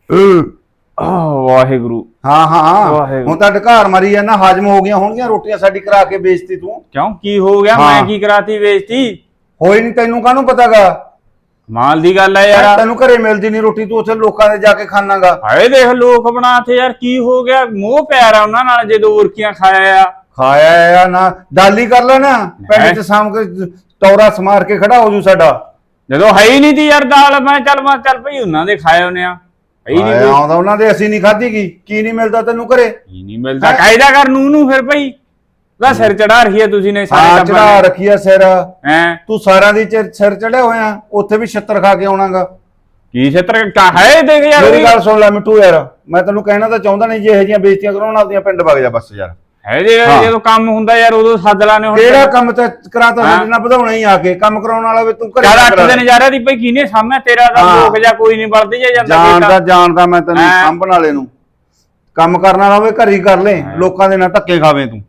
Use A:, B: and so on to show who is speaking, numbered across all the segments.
A: ਵਾਹਿਗੁਰੂ।
B: ਹਾਂ ਹੁਣ ਤਾਂ ਢਕਾਰ ਮਾਰੀ ਜਾਂਦਾ, ਹਾਜ਼ਮ ਹੋ ਗਈਆਂ ਹੋਣਗੀਆਂ ਰੋਟੀਆਂ ਸਾਡੀ ਕਰਾ ਕੇ ਵੇਚਤੀ ਤੂੰ।
A: ਕਿਉਂ ਕੀ ਹੋ ਗਿਆ? ਮੈਂ ਕੀ ਕਰਾਤੀ ਵੇਚਤੀ?
B: ਹੋਈ ਨਹੀਂ ਤੈਨੂੰ ਕਾਹਨੂੰ ਪਤਾਗਾ?
A: ਮਾਲ ਦੀ ਗੱਲ ਹੈ ਯਾਰ।
B: ਤੈਨੂੰ ਘਰੇ ਮਿਲਦੀ ਨਹੀਂ ਰੋਟੀ, ਤੂੰ ਉੱਥੇ ਲੋਕਾਂ ਦੇ ਜਾ ਕੇ ਖਾਣਾਗਾ।
A: ਹਾਏ ਦੇਖ ਲੋਕ ਬਣਾਤੇ ਯਾਰ, ਕੀ ਹੋ ਗਿਆ? ਮੋਹ ਪਿਆਰਾ ਉਹਨਾਂ ਨਾਲ ਜਦੋਂ ਉਰਕੀਆਂ ਖਾਇਆ
B: ਆ ਨਾ ਡਾਲੀ ਕਰ ਲੈ ਨਾ ਪਿੰਡ ਚ ਸਾਮ ਕੇ ਟੌਰਾ ਸਮਾਰ ਕੇ ਖੜਾ ਹੋ ਜੂ ਸਾਡਾ।
A: ਜਦੋਂ ਹੈ ਹੀ ਨਹੀਂ ਤੀ ਯਾਰ ਦਾਲ, ਮੈਂ ਚੱਲ ਭਈ ਉਹਨਾਂ ਦੇ ਖਾਏ ਉਹਨੇ ਆ।
B: ਆਉਂਦਾ ਉਹਨਾਂ ਦੇ, ਅਸੀਂ ਨਹੀਂ ਖਾਧੀ ਕੀ ਨਹੀਂ ਮਿਲਦਾ ਤੈਨੂੰ ਘਰੇ?
A: ਕੀ ਨਹੀਂ ਮਿਲਦਾ? ਕਾਇਦਾ ਕਰ ਨੂੰ ਫਿਰ ਭਈ ਦਾ ਸਿਰ ਚੜਾ ਰੱਖਿਆ ਤੁਸੀਂ ਨੇ ਸਾਰੇ ਟੱਬਰ
B: ਚੜਾ ਰੱਖਿਆ ਸਿਰ।
A: ਹੈ ਤੂੰ
B: ਸਾਰਿਆਂ ਦੀ ਸਿਰ ਚੜਿਆ ਹੋਇਆ, ਉੱਥੇ ਵੀ ਛੱਤਰ ਖਾ ਕੇ ਆਉਣਾਗਾ।
A: ਕੀ ਛੱਤਰ ਹੈ? ਦੇਖ ਯਾਰ
B: ਮੇਰੀ ਗੱਲ ਸੁਣ ਲੈ ਮਿੱਠੂ ਯਾਰ, ਮੈਂ ਤੈਨੂੰ ਕਹਿਣਾ ਤਾਂ ਚਾਹੁੰਦਾ ਨਹੀਂ, ਜੇ ਇਹੋ ਜਿਹੀਆਂ ਬੇਇੱਜ਼ਤੀਆਂ ਕਰਾਉਣ ਆਪਦੀਆਂ ਪਿੰਡ ਵਗ ਜਾ ਬਸ ਯਾਰ।
A: ਹੈ ਜਦੋਂ ਕੰਮ ਹੁੰਦਾ ਯਾਰ ਉਦੋਂ ਸੱਦ ਲਾਣੇ। ਹੁਣ
B: ਕਿਹੜਾ ਕੰਮ ਤੇ ਕਰਾਤਾ ਸਾਡੇ ਨਾਲ ਵਧਾਉਣਾ ਹੀ ਆ ਕੇ, ਕੰਮ ਕਰਾਉਣ ਵਾਲਾ ਵੀ ਤੂੰ ਘਰੇ
A: 8 ਦਿਨ ਜਾ ਰਿਹਾ ਦੀ ਭਈ ਕਿਹਨੇ ਸਾਹਮਣੇ ਤੇਰਾ ਦਾ ਲੋਕ ਜਾਂ ਕੋਈ ਨਹੀਂ ਵਰਦੀ ਜਾਂਦਾ।
B: ਜਾਣਦਾ ਮੈਂ ਤੈਨੂੰ ਸਾਂਭਣ ਵਾਲੇ ਨੂੰ, ਕੰਮ ਕਰਨ ਵਾਲਾ ਹੋਵੇ ਘਰੀ ਕਰ ਲੈ, ਲੋਕਾਂ ਦੇ ਨਾਲ ਧੱਕੇ ਖਾਵੇਂ ਤੂੰ।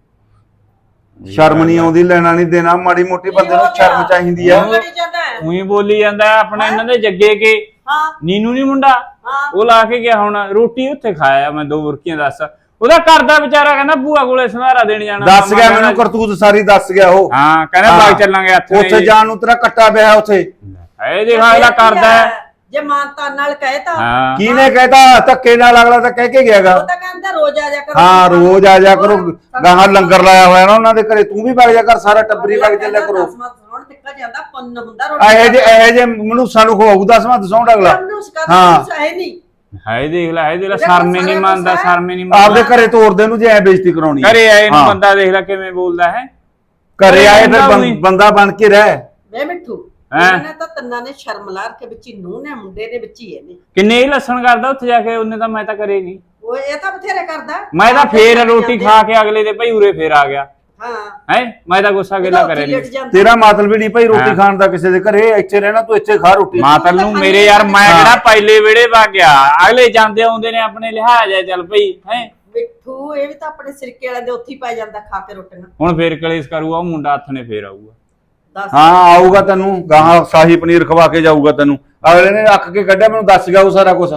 B: ਸ਼ਰਮ ਨਹੀਂ ਆਉਂਦੀ, ਲੈਣਾ ਨਹੀਂ ਦੇਣਾ, ਮਾੜੀ ਮੋਟੀ ਬੰਦੇ ਨੂੰ ਸ਼ਰਮ ਚਾਹੀਦੀ ਆ।
A: ਉਹੀ ਬੋਲੀ ਜਾਂਦਾ ਆਪਣਾ ਇਹਨਾਂ ਦੇ ਜੱਗੇ ਕੇ ਨੀਨੂ ਨੀ ਮੁੰਡਾ, ਉਹ ਲਾ ਕੇ ਗਿਆ ਹੁਣ ਰੋਟੀ ਉੱਥੇ ਖਾਇਆ ਮੈਂ 2 ਬੁਰਕੀਆਂ। ਦੱਸ ਉਹਦਾ ਕਰਦਾ ਵਿਚਾਰਾ ਕਹਿੰਦਾ ਭੂਆ ਕੋਲੇ ਸੰਧਾਰਾ ਦੇਣ ਜਾਣਾ।
B: ਦੱਸ ਗਿਆ ਮੈਨੂੰ ਕਰਤੂਤ ਸਾਰੀ ਦੱਸ ਗਿਆ ਉਹ।
A: ਹਾਂ ਕਹਿੰਦਾ ਬਾਗ ਚੱਲਾਂਗੇ
B: ਉੱਥੇ ਜਾਣ ਨੂੰ ਤੇਰਾ ਕੱਟਾ ਪਿਆ ਉੱਥੇ।
A: ਇਹ ਦੇਖਾ ਇਹਦਾ ਕਰਦਾ
C: ਜੇ ਮਾਨਤਾ ਨਾਲ ਕਹੇ ਤਾਂ
B: ਕਿਹਨੇ ਕਹਿਤਾ? ਧੱਕੇ ਨਾਲ ਅਗਲਾ ਤਾਂ ਕਹਿ ਕੇ ਗਿਆਗਾ।
C: ਉਹ ਤਾਂ ਕਹਿੰਦਾ ਰੋਜ਼ ਆ ਜਾ ਕਰੋ।
B: ਹਾਂ ਰੋਜ਼ ਆ ਜਾ ਕਰੋ, ਗਾਹਾਂ ਲੰਗਰ ਲਾਇਆ ਹੋਇਆ ਨਾ ਉਹਨਾਂ ਦੇ ਘਰੇ, ਤੂੰ ਵੀ ਵਗ ਜਾ ਕਰ, ਸਾਰਾ ਟੱਬਰੀ ਵਗ ਚੱਲਿਆ ਕਰੋ।
C: ਜਾਂਦਾ ਪੁੰਨ ਹੁੰਦਾ ਰੋਟੀ।
B: ਇਹੋ ਜੇ ਮਨੂਸਾਂ ਨੂੰ ਖਵਾਉ 10ਵਾਂ ਦਸੌਂਡ ਅਗਲਾ।
C: ਹਾਂ ਹੈ ਨਹੀਂ।
A: ਹਾਏ ਦੇਖ ਲੈ ਸ਼ਰਮੇ ਨਹੀਂ ਮੰਨਦਾ, ਸ਼ਰਮੇ ਨਹੀਂ ਮੰਨਦਾ।
B: ਆਪਦੇ ਘਰੇ ਤੋਰਦੇ ਨੂੰ ਜੇ ਐ ਬੇਇੱਜ਼ਤੀ ਕਰਾਉਣੀ
A: ਘਰੇ ਆਏ ਨੂੰ ਬੰਦਾ ਦੇਖ ਲੈ ਕਿਵੇਂ ਬੋਲਦਾ ਹੈ।
B: ਘਰੇ ਆਏ ਫਿਰ ਬੰਦਾ ਬਣ ਕੇ ਰਹਿ।
C: ਵੇ ਮਿੱਠੂ ਇਹਨਾਂ ਤਾਂ ਤੰਨਾ ਨੇ ਸ਼ਰਮ ਲਾ ਕੇ ਵਿੱਚ ਨੂੰ ਨੇ ਮੁੰਡੇ ਦੇ ਵਿੱਚ ਹੀ ਇਹਨੇ
A: ਕਿੰਨੇ ਹੀ ਲੱਸਣ ਕਰਦਾ ਉੱਥੇ ਜਾ ਕੇ। ਉਹਨੇ ਤਾਂ ਮੈਂ ਤਾਂ ਕਰੇ ਨਹੀਂ,
C: ਉਹ ਇਹ ਤਾਂ ਬਥੇਰੇ ਕਰਦਾ।
A: ਮੈਂ ਤਾਂ ਫੇਰ ਰੋਟੀ ਖਾ ਕੇ ਅਗਲੇ ਦੇ ਭਾਈ ਉਰੇ ਫੇਰ ਆ ਗਿਆ।
C: ਹਾਂ
A: ਮੈਂ ਤਾਂ ਗੁੱਸਾ ਗਿਲਾ ਕਰੇ ਨਹੀਂ।
B: ਤੇਰਾ ਮਾਤਲ ਵੀ ਨਹੀਂ ਭਾਈ ਰੋਟੀ ਖਾਣ ਦਾ ਕਿਸੇ ਦੇ ਘਰੇ, ਇੱਥੇ ਰਹਿਣਾ ਤੂੰ, ਇੱਥੇ ਖਾ ਰੋਟੀ।
A: ਮਾਤਲ ਨੂੰ ਮੇਰੇ ਯਾਰ ਮੈਂ ਕਿਹੜਾ ਪਹਿਲੇ ਵੇੜੇ ਪਾ ਗਿਆ, ਅਗਲੇ ਜਾਂਦੇ ਆਉਂਦੇ ਨੇ ਆਪਣੇ ਲਿਹਾਜ਼ ਹੈ। ਚੱਲ ਭਾਈ ਹੈ
C: ਮਿੱਠੂ ਇਹ ਵੀ ਤਾਂ ਆਪਣੇ ਸਿਰਕੇ ਵਾਲੇ ਦੇ ਉੱਥੇ ਹੀ ਪੈ ਜਾਂਦਾ ਖਾ ਕੇ ਰੋਟੀਆਂ।
A: ਹੁਣ ਫੇਰ ਕਲੇਸ਼ ਕਰੂਗਾ ਉਹ ਮੁੰਡਾ, ਹੱਥ ਨੇ ਫੇਰ ਆਊਗਾ।
B: ਹਾਂ ਆਊਗਾ ਤੈਨੂੰ ਗਾਹਾਂ ਸ਼ਾਹੀ ਪਨੀਰ ਖਵਾ ਕੇ ਜਾਊਗਾ ਤੈਨੂੰ। ਅਗਲੇ ਨੇ ਅੱਖ ਕੇ ਕੱਢਿਆ ਮੈਨੂੰ ਦੱਸ ਗਿਆ ਉਹ ਸਾਰਾ ਕੁਝ।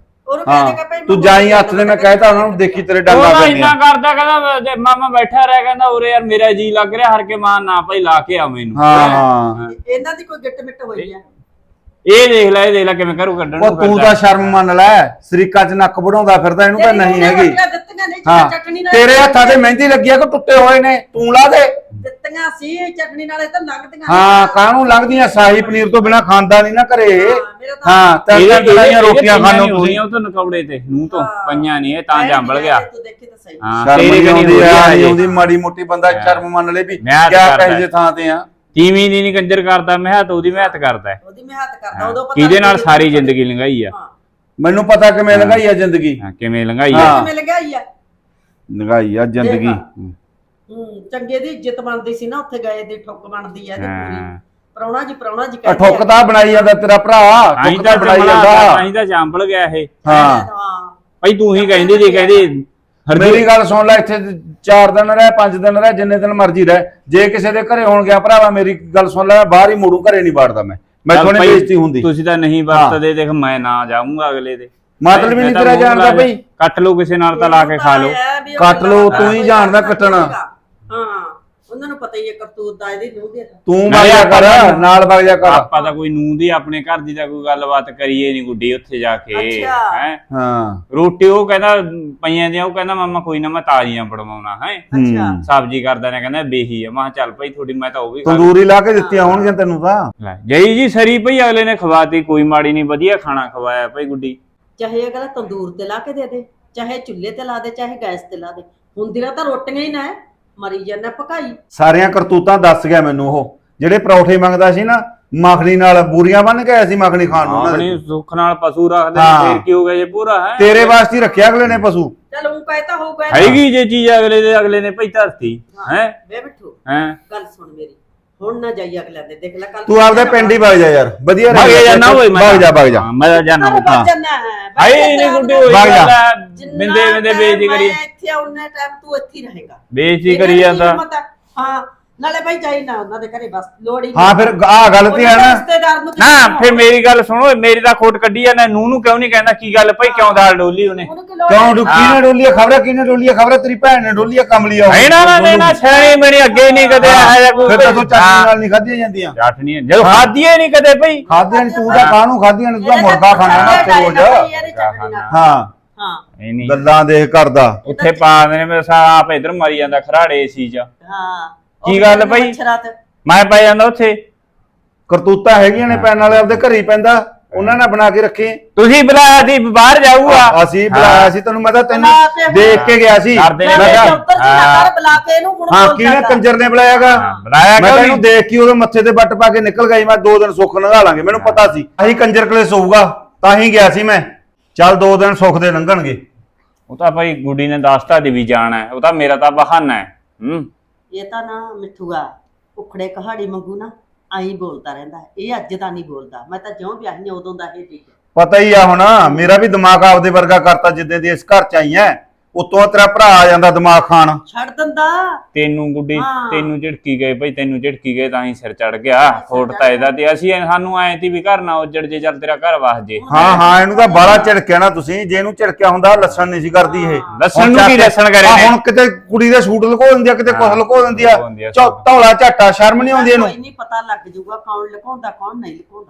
B: ਤੂੰ ਜਾਈ ਹੱਥ ਦੇ, ਮੈਂ ਕਹਿਤਾ ਉਹਨਾਂ ਨੂੰ ਦੇਖੀ ਤੇਰੇ ਡੰਡਾ
A: ਪੈਂਦੀਆਂ। ਇੰਨਾ ਕਰਦਾ ਕਹਿੰਦਾ ਮਾਮਾ ਬੈਠਾ ਰਿਹਾ, ਕਹਿੰਦਾ ਉਰੇ ਯਾਰ ਮੇਰਾ ਜੀ ਲੱਗ ਰਿਹਾ ਹਰ ਕੇ ਮਾਂ ਨਾ ਭਾਈ ਲਾ ਕੇ ਆ ਮੈਨੂੰ।
B: ਹਾਂ
C: ਇਹਨਾਂ ਦੀ ਕੋਈ ਗਿੱਟ ਮਿੱਟ ਹੋਈ ਆ।
A: ਇਹ ਦੇਖ ਲੈ ਕਿਵੇਂ ਕਰੂ ਕੱਢਣ ਨੂੰ।
B: ਤੂੰ ਤਾਂ ਸ਼ਰਮ ਮੰਨ ਲੈ, ਸਰੀਕਾ ਚ ਨੱਕ ਵੜਾਉਂਦਾ ਫਿਰਦਾ, ਇਹਨੂੰ ਤਾਂ ਨਹੀਂ ਹੈਗੀ। ਹਾਂ ਤੇਰੇ ਹੱਥਾਂ ਤੇ ਮਹਿੰਦੀ ਲੱਗੀ ਆ ਕਿ ਟੁੱਟੇ ਹੋਏ ਨੇ, ਤੂੰ ਲਾ ਦੇ।
C: ਦਿੱਤੀਆਂ ਸੀ ਚਟਨੀ ਨਾਲੇ ਤਾਂ ਲੰਘਦੀਆਂ।
B: ਹਾਂ ਕਾਹਨੂੰ ਲੰਘਦੀਆਂ? ਸ਼ਾਹੀ ਪਨੀਰ ਤੋਂ ਬਿਨਾ ਖਾਂਦਾ ਨਹੀਂ ਨਾ ਘਰੇ। ਹਾਂ ਤਿੰਨ ਦਿਨਾਂ ਰੋਟੀਆਂ ਖਾਣੋਂ ਤੁਸੀਂ।
A: ਉਹ ਤਾਂ ਨਕੌੜੇ ਤੇ ਨੂੰ ਤੋਂ ਪਈਆਂ ਨਹੀਂ, ਇਹ ਤਾਂ ਜੰਬਲ ਗਿਆ।
B: ਹਾਂ ਤੇਰੀ ਆਉਂਦੀ ਮਾੜੀ ਮੋਟੀ ਬੰਦਾ ਸ਼ਰਮ ਮੰਨ ਲੈ ਵੀ ਕਿਆ ਕਹੇ ਜੇ ਥਾਂ ਤੇ ਆ।
A: ਤੀਵੀਂ ਦੀ ਨੀ ਕੰਜਰ ਕਰਦਾ, ਮਿਹਨਤ ਉਹਦੀ ਮਿਹਨਤ ਕਰਦਾ।
C: ਉਹਦੀ ਮਿਹਨਤ ਕਰਦਾ ਉਦੋਂ ਪਤਾ
A: ਕਿਹਦੇ ਨਾਲ ਸਾਰੀ ਜ਼ਿੰਦਗੀ ਲੰਘਾਈ ਆ।
B: ਮੈਨੂੰ ਪਤਾ ਕਿਵੇਂ ਲੰਘਾਈ ਆ ਜ਼ਿੰਦਗੀ।
A: ਕਿਵੇਂ ਲੰਘਾਈ ਆ?
C: ਕਿਵੇਂ ਲੰਘਾਈ ਆ?
B: ਲੰਘਾਈ ਆ ਜ਼ਿੰਦਗੀ।
C: ਚੰਗੇ ਦੀ ਇੱਜ਼ਤ ਬਣਦੀ ਸੀ ਨਾ, ਉੱਥੇ ਗਏ ਦੀ ਠੁੱਕ ਬਣਦੀ ਆ ਇਹਦੀ ਪੂਰੀ। ਪ੍ਰਾਹੁਣਾ ਜੀ
B: ਠੁੱਕ ਤਾਂ ਬਣਾਈ ਜਾਂਦਾ ਤੇਰਾ ਭਰਾ, ਠੁੱਕ ਤਾਂ ਬਣਾਈ ਜਾਂਦਾ।
A: ਅਸੀਂ ਤਾਂ ਜੰਬਲ ਗਿਆ ਇਹ।
B: ਹਾਂ
A: ਭਾਈ ਤੂੰ ਹੀ ਕਹਿੰਦੀ ਸੀ, ਕਹਿੰਦੀ
B: ਮੇਰੀ ਗੱਲ ਸੁਣ ਲੈ, ਇੱਥੇ 4 ਦਿਨ ਰਹਿ 5 ਦਿਨ ਰਹਿ ਜਿੰਨੇ ਦਿਨ ਮਰਜ਼ੀ ਰਹਿ, ਜੇ ਕਿਸੇ ਦੇ ਘਰੇ ਹੋਣ ਗਿਆ ਭਰਾਵਾ ਮੇਰੀ ਗੱਲ ਸੁਣ ਲੈ, ਬਾਹਰ ਹੀ ਮੋੜੂ, ਘਰੇ ਨਹੀਂ ਬਾੜਦਾ ਮੈਂ ਥੋੜੀ ਬੇਇੱਜ਼ਤੀ ਹੁੰਦੀ।
A: ਤੁਸੀਂ ਤਾਂ ਨਹੀਂ ਵਰਤਦੇ, ਦੇਖ ਮੈਂ ਨਾ ਜਾਊਂਗਾ ਅਗਲੇ ਦੇ।
B: ਮਤਲਬ ਵੀ ਨਹੀਂ ਤੇਰਾ ਜਾਣਦਾ ਭਾਈ।
A: ਕੱਟ ਲਓ ਕਿਸੇ ਨਾਲ ਤਾਂ ਲਾ ਕੇ ਖਾ ਲਓ।
B: ਕੱਟ ਲਓ, ਤੂੰ ਹੀ ਜਾਣਦਾ ਕੱਟਣਾ।
C: ਹਾਂ ਉਹਨਾਂ ਨੂੰ ਪਤਾ ਹੀ ਹੈ ਕਰਤੂਤ ਦਾ ਇਹਦੀ ਨੂੰਹ ਦੀ।
B: ਤੂੰ ਵਗ ਜਾ ਕਰ ਨਾਲ, ਵਗ ਜਾ ਕਰ।
A: ਆਪਾਂ ਤਾਂ ਕੋਈ ਨੂੰਹ ਦੀ ਆਪਣੇ ਘਰ ਦੀ ਤਾਂ ਕੋਈ ਗੱਲਬਾਤ ਕਰੀਏ ਨਹੀਂ ਗੁੱਡੀ ਉੱਥੇ ਜਾ ਕੇ। ਹੈ
B: ਹਾਂ
A: ਰੋਟੀ ਉਹ ਕਹਿੰਦਾ ਪਈਆਂ ਦੀਆਂ, ਉਹ ਕਹਿੰਦਾ ਮਾਮਾ ਕੋਈ ਨਾ ਮੈਂ ਤਾਜ਼ੀਆਂ ਬਣਵਾਉਣਾ ਹੈ।
C: ਅੱਛਾ
A: ਸਬਜ਼ੀ ਕਰਦਾ ਨੇ ਕਹਿੰਦਾ ਬੇਹੀ ਆ। ਮੈਂ ਚੱਲ ਭਾਈ ਥੋੜੀ, ਮੈਂ ਤਾਂ ਉਹ ਵੀ
B: ਤੰਦੂਰੀ ਲਾ ਕੇ ਦਿੱਤੀਆਂ ਹੋਣਗੀਆਂ ਤੈਨੂੰ ਤਾਂ।
A: ਜਈ ਜੀ ਸਰੀ ਭਾਈ ਅਗਲੇ ਨੇ ਖਵਾਤੀ, ਕੋਈ ਮਾੜੀ ਨਹੀਂ, ਵਧੀਆ ਖਾਣਾ ਖਵਾਇਆ ਭਾਈ ਗੁੱਡੀ।
C: ਚਾਹੇ ਅਗਲਾ ਤੰਦੂਰ ਤੇ ਲਾ ਕੇ ਦੇ ਦੇ, ਚਾਹੇ ਚੁੱਲ੍ਹੇ ਤੇ ਲਾ ਦੇ, ਚਾਹੇ ਗੈਸ ਤੇ ਲਾ ਦੇ, ਹੁੰਦੀਆਂ ਤਾਂ ਰੋਟੀਆਂ ਹੀ ਨਾ ਮਰੀ ਜਾਂਦਾ ਪਕਾਈ।
B: ਸਾਰੀਆਂ ਕਰਤੂਤਾਂ ਦੱਸ ਗਿਆ ਮੈਨੂੰ ਉਹ, ਜਿਹੜੇ ਪਰੌਠੇ ਮੰਗਦਾ ਸੀ ਨਾ ਮੱਖਣੀ ਨਾਲ, ਬੂਰੀਆਂ ਬੰਨ ਕੇ ਆਇਆ ਸੀ ਮੱਖਣੀ ਖਾਣ ਨੂੰ।
A: ਆਪਣੀ ਸੁੱਖ ਨਾਲ ਪਸ਼ੂ ਰੱਖਦੇ ਫੇਰ ਕੀ ਹੋ ਗਿਆ ਜੇ ਪੂਰਾ ਹੈ।
B: ਤੇਰੇ ਵਾਸਤੇ ਰੱਖਿਆ ਅਗਲੇ ਨੇ ਪਸ਼ੂ।
C: ਚਲ ਉਹ ਕਹਿਤਾ ਹੋਊਗਾ
A: ਹੈਗੀ ਜੇ ਚੀਜ਼ ਅਗਲੇ ਨੇ ਭਾਈ ਧਰਤੀ ਹੈ।
C: ਵੇ ਬਿੱਠੂ
A: ਹੈ
C: ਗੱਲ ਸੁਣ ਮੇਰੀ, ਹੁਣ ਨਾ ਜਾਈ ਅਗਲੇ ਦੇ, ਦੇਖ ਲੈ ਕੱਲ
B: ਤੂੰ ਆਪਦੇ ਪਿੰਡ ਹੀ ਵਗ ਜਾ ਯਾਰ, ਵਧੀਆ
A: ਵਗ ਜਾਣਾ ਓਏ।
B: ਵਗ ਜਾ
A: ਮੈਂ ਜਾਣਾ ਹਾਏ ਨਹੀਂ ਗੁੱਡੀ ਹੋਈ ਬਿੰਦੇ ਬੇਇੱਜ਼ਤੀ ਕਰੀ।
C: ਇੱਥੇ ਉਹਨੇ ਟਾਈਮ ਤੂੰ ਇੱਥੇ ਰਹੇਗਾ,
A: ਬੇਇੱਜ਼ਤੀ ਕਰੀ ਜਾਂਦਾ।
C: ਹਾਂ ਨਾਲੇ ਭਾਈ ਜਾਈ ਨਾ ਉਹਨਾਂ ਦੇ ਘਰੇ ਬਸ ਲੋੜ ਹੀ
B: ਹਾਂ ਫਿਰ ਆਹ ਗਲਤੀ ਹੈ ਨਾ।
C: ਰਿਸ਼ਤੇਦਾਰ ਨੂੰ
A: ਨਾ ਫਿਰ ਮੇਰੀ ਗੱਲ ਸੁਣੋ, ਮੇਰੀ ਤਾਂ ਖੋਟ ਕੱਢੀ ਆ ਨਾ। ਨੂੰ ਕਿਉਂ ਨਹੀਂ ਕਹਿੰਦਾ ਕੀ ਗੱਲ ਭਾਈ, ਕਿਉਂ ਦਾਲ ਡੋਲੀ ਉਹਨੇ?
B: ਕਿਉਂ ਕਿਹਨੇ ਡੋਲੀ ਖਬਰ ਕਿਹਨੇ ਡੋਲੀ ਖਬਰ ਤੇਰੀ ਭੈਣ ਨੇ ਡੋਲੀ ਕਮਲੀ ਆ
A: ਨਾ ਛੇਣੀ ਮੇਰੀ ਅੱਗੇ ਨਹੀਂ ਕਦੇ ਆਇਆ ਕੋਈ।
B: ਫਿਰ ਤਾਂ ਚਟਨੀ ਨਾਲ ਨਹੀਂ ਖਾਧੀਆਂ ਜਾਂਦੀਆਂ।
A: ਚਟਨੀ ਜਦੋਂ ਖਾਧੀਏ ਨਹੀਂ ਕਦੇ ਭਾਈ।
B: ਖਾਧੀਆਂ ਨੀ, ਤੂੰ ਤਾਂ ਕਾਹਨੂੰ ਖਾਧੀਆਂ ਨੇ? ਤੂੰ ਤਾਂ ਮੁਰਗਾ ਖਾਣਾ ਨਾ ਤੇ ਰੋਜ਼। ਹਾਂ
C: ਹਾਂ
B: ਗੱਲਾਂ ਦੇਖ ਕਰਦਾ
A: ਉੱਥੇ ਪਾ ਦੇ ਨੇ, ਮੇਰਾ ਆਪ ਇਧਰ ਮਰੀ ਜਾਂਦਾ ਖਰਾੜੇ ਏਸੀ ਚ।
C: ਹਾਂ
A: ਕੀ ਗੱਲ ਭਾਈ, ਮੈਂ ਪੈ ਜਾਂਦਾ ਉੱਥੇ।
B: ਕਰਤੂਤਾਂ ਹੈਗੀਆਂ ਨੇ ਪੈਣ ਵਾਲੇ, ਆਪਦੇ ਘਰੇ ਹੀ ਪੈਂਦਾ, ਉਹਨਾਂ ਨੇ ਬਣਾ ਕੇ ਰੱਖੇ।
A: ਤੁਸੀਂ ਬੁਲਾਇਆ ਸੀ ਬਾਹਰ ਜਾਊਗਾ?
B: ਅਸੀਂ ਬੁਲਾਇਆ ਸੀ ਤੈਨੂੰ, ਮੈਂ ਤਾਂ ਤੈਨੂੰ ਦੇਖ ਕੇ ਗਿਆ ਸੀ। ਹਾਂ ਕਿਹਨੇ ਕੰਜਰ ਨੇ ਬੁਲਾਇਆਗਾ? ਮੈਂ ਤੈਨੂੰ ਦੇਖ ਕੇ ਉਹਦੇ ਮੱਥੇ ਤੇ ਵੱਟ ਪਾ ਕੇ ਨਿਕਲ ਗਈ। ਮੈਂ 2 ਦਿਨ ਸੁੱਖ ਲੰਘਾ ਲਾਂਗੇ, ਮੈਨੂੰ ਪਤਾ ਸੀ ਅਸੀਂ ਕੰਜਰ ਕਲੇਸ਼ ਹੋਊਗਾ, ਤਾਂ ਹੀ ਗਿਆ ਸੀ ਮੈਂ। ਚੱਲ 2 ਦਿਨ ਸੁੱਖ ਦੇ ਲੰਘਣਗੇ।
A: ਉਹ ਤਾਂ ਭਾਈ ਗੁੱਡੀ ਨੇ ਦੱਸਤਾ ਦੀ ਵੀ ਜਾਣਾ ਹੈ, ਉਹ ਤਾਂ ਮੇਰਾ ਤਾਂ ਬਹਾਨਾ ਹੈ।
C: ਇਹ ਤਾਂ ਨਾ ਮਿੱਠੂਆ ਉਖੜੇ ਕਹਾੜੀ ਮੰਗੂ ਨਾ ਆਈ ਬੋਲਦਾ ਰਹਿੰਦਾ, ਇਹ ਅੱਜ ਦਾ ਨਹੀਂ ਬੋਲਦਾ। ਮੈਂ ਤਾਂ ਜਿਉਂ ਵਿਆਹੀ ਉਦੋਂ ਦਾ ਇਹ ਠੀਕ
B: ਪਤਾ ਹੀ ਆ ਹੁਣ, ਮੇਰਾ ਵੀ ਦਿਮਾਗ ਆਪਦੇ ਵਰਗਾ ਕਰਤਾ ਜਿੱਦਾਂ ਦੀ ਇਸ ਘਰ ਚ ਆਈ ਐ। ਉਤੋਂ ਤੇਰਾ ਭਰਾ ਆ ਜਾਂਦਾ ਦਿਮਾਗ ਖਾਣ,
C: ਛੱਡ ਦਿੰਦਾ
A: ਤੈਨੂੰ ਗੁੱਡੀ। ਤੈਨੂੰ ਝਿੜਕੀ ਗਏ ਭਾਈ, ਤੈਨੂੰ ਝਿੜਕੀ ਗਏ ਤਾਂ ਹੀ ਸਿਰ ਚੜ ਗਿਆ। ਖੋਟ ਤਾਂ ਇਹਦਾ ਤੇ ਅਸੀਂ ਸਾਨੂੰ ਐ ਤੀ ਵੀ ਘਰ ਨਾ ਉੱਜੜ ਜੇ, ਚੱਲ ਤੇਰਾ ਘਰ ਵਸ ਜੇ।
B: ਹਾਂ ਇਹਨੂੰ ਤਾਂ ਬਾਹਲਾ ਝਿੜਕਿਆ ਨਾ ਤੁਸੀਂ। ਜੇ ਇਹਨੂੰ ਝਿੜਕਿਆ ਹੁੰਦਾ ਲੱਸਣ ਨਹੀਂ ਸੀ ਕਰਦੀ ਇਹ।
A: ਲੱਸਣ ਨੂੰ ਕੀ ਲੱਸਣ ਕਰੇ ਨੇ?
B: ਹੁਣ ਕਿਤੇ ਕੁੜੀ ਦੇ ਸੂਟ ਲੁਕੋ ਦਿੰਦੀ ਆ, ਕਿਤੇ ਕੁਛ ਲੁਕੋ ਦਿੰਦੀ ਆ। ਧੌਲਾ ਝਾਟਾ ਸ਼ਰਮ ਨਹੀਂ ਆਉਂਦੀ ਇਹਨੂੰ।
C: ਕੋਈ ਨਹੀਂ ਪਤਾ ਲੱਗ ਜਾਊਗਾ ਕੌਣ ਲੁਕਾਉਂਦਾ ਕੌਣ ਨਹੀਂ ਲੁਕਾਉਂਦਾ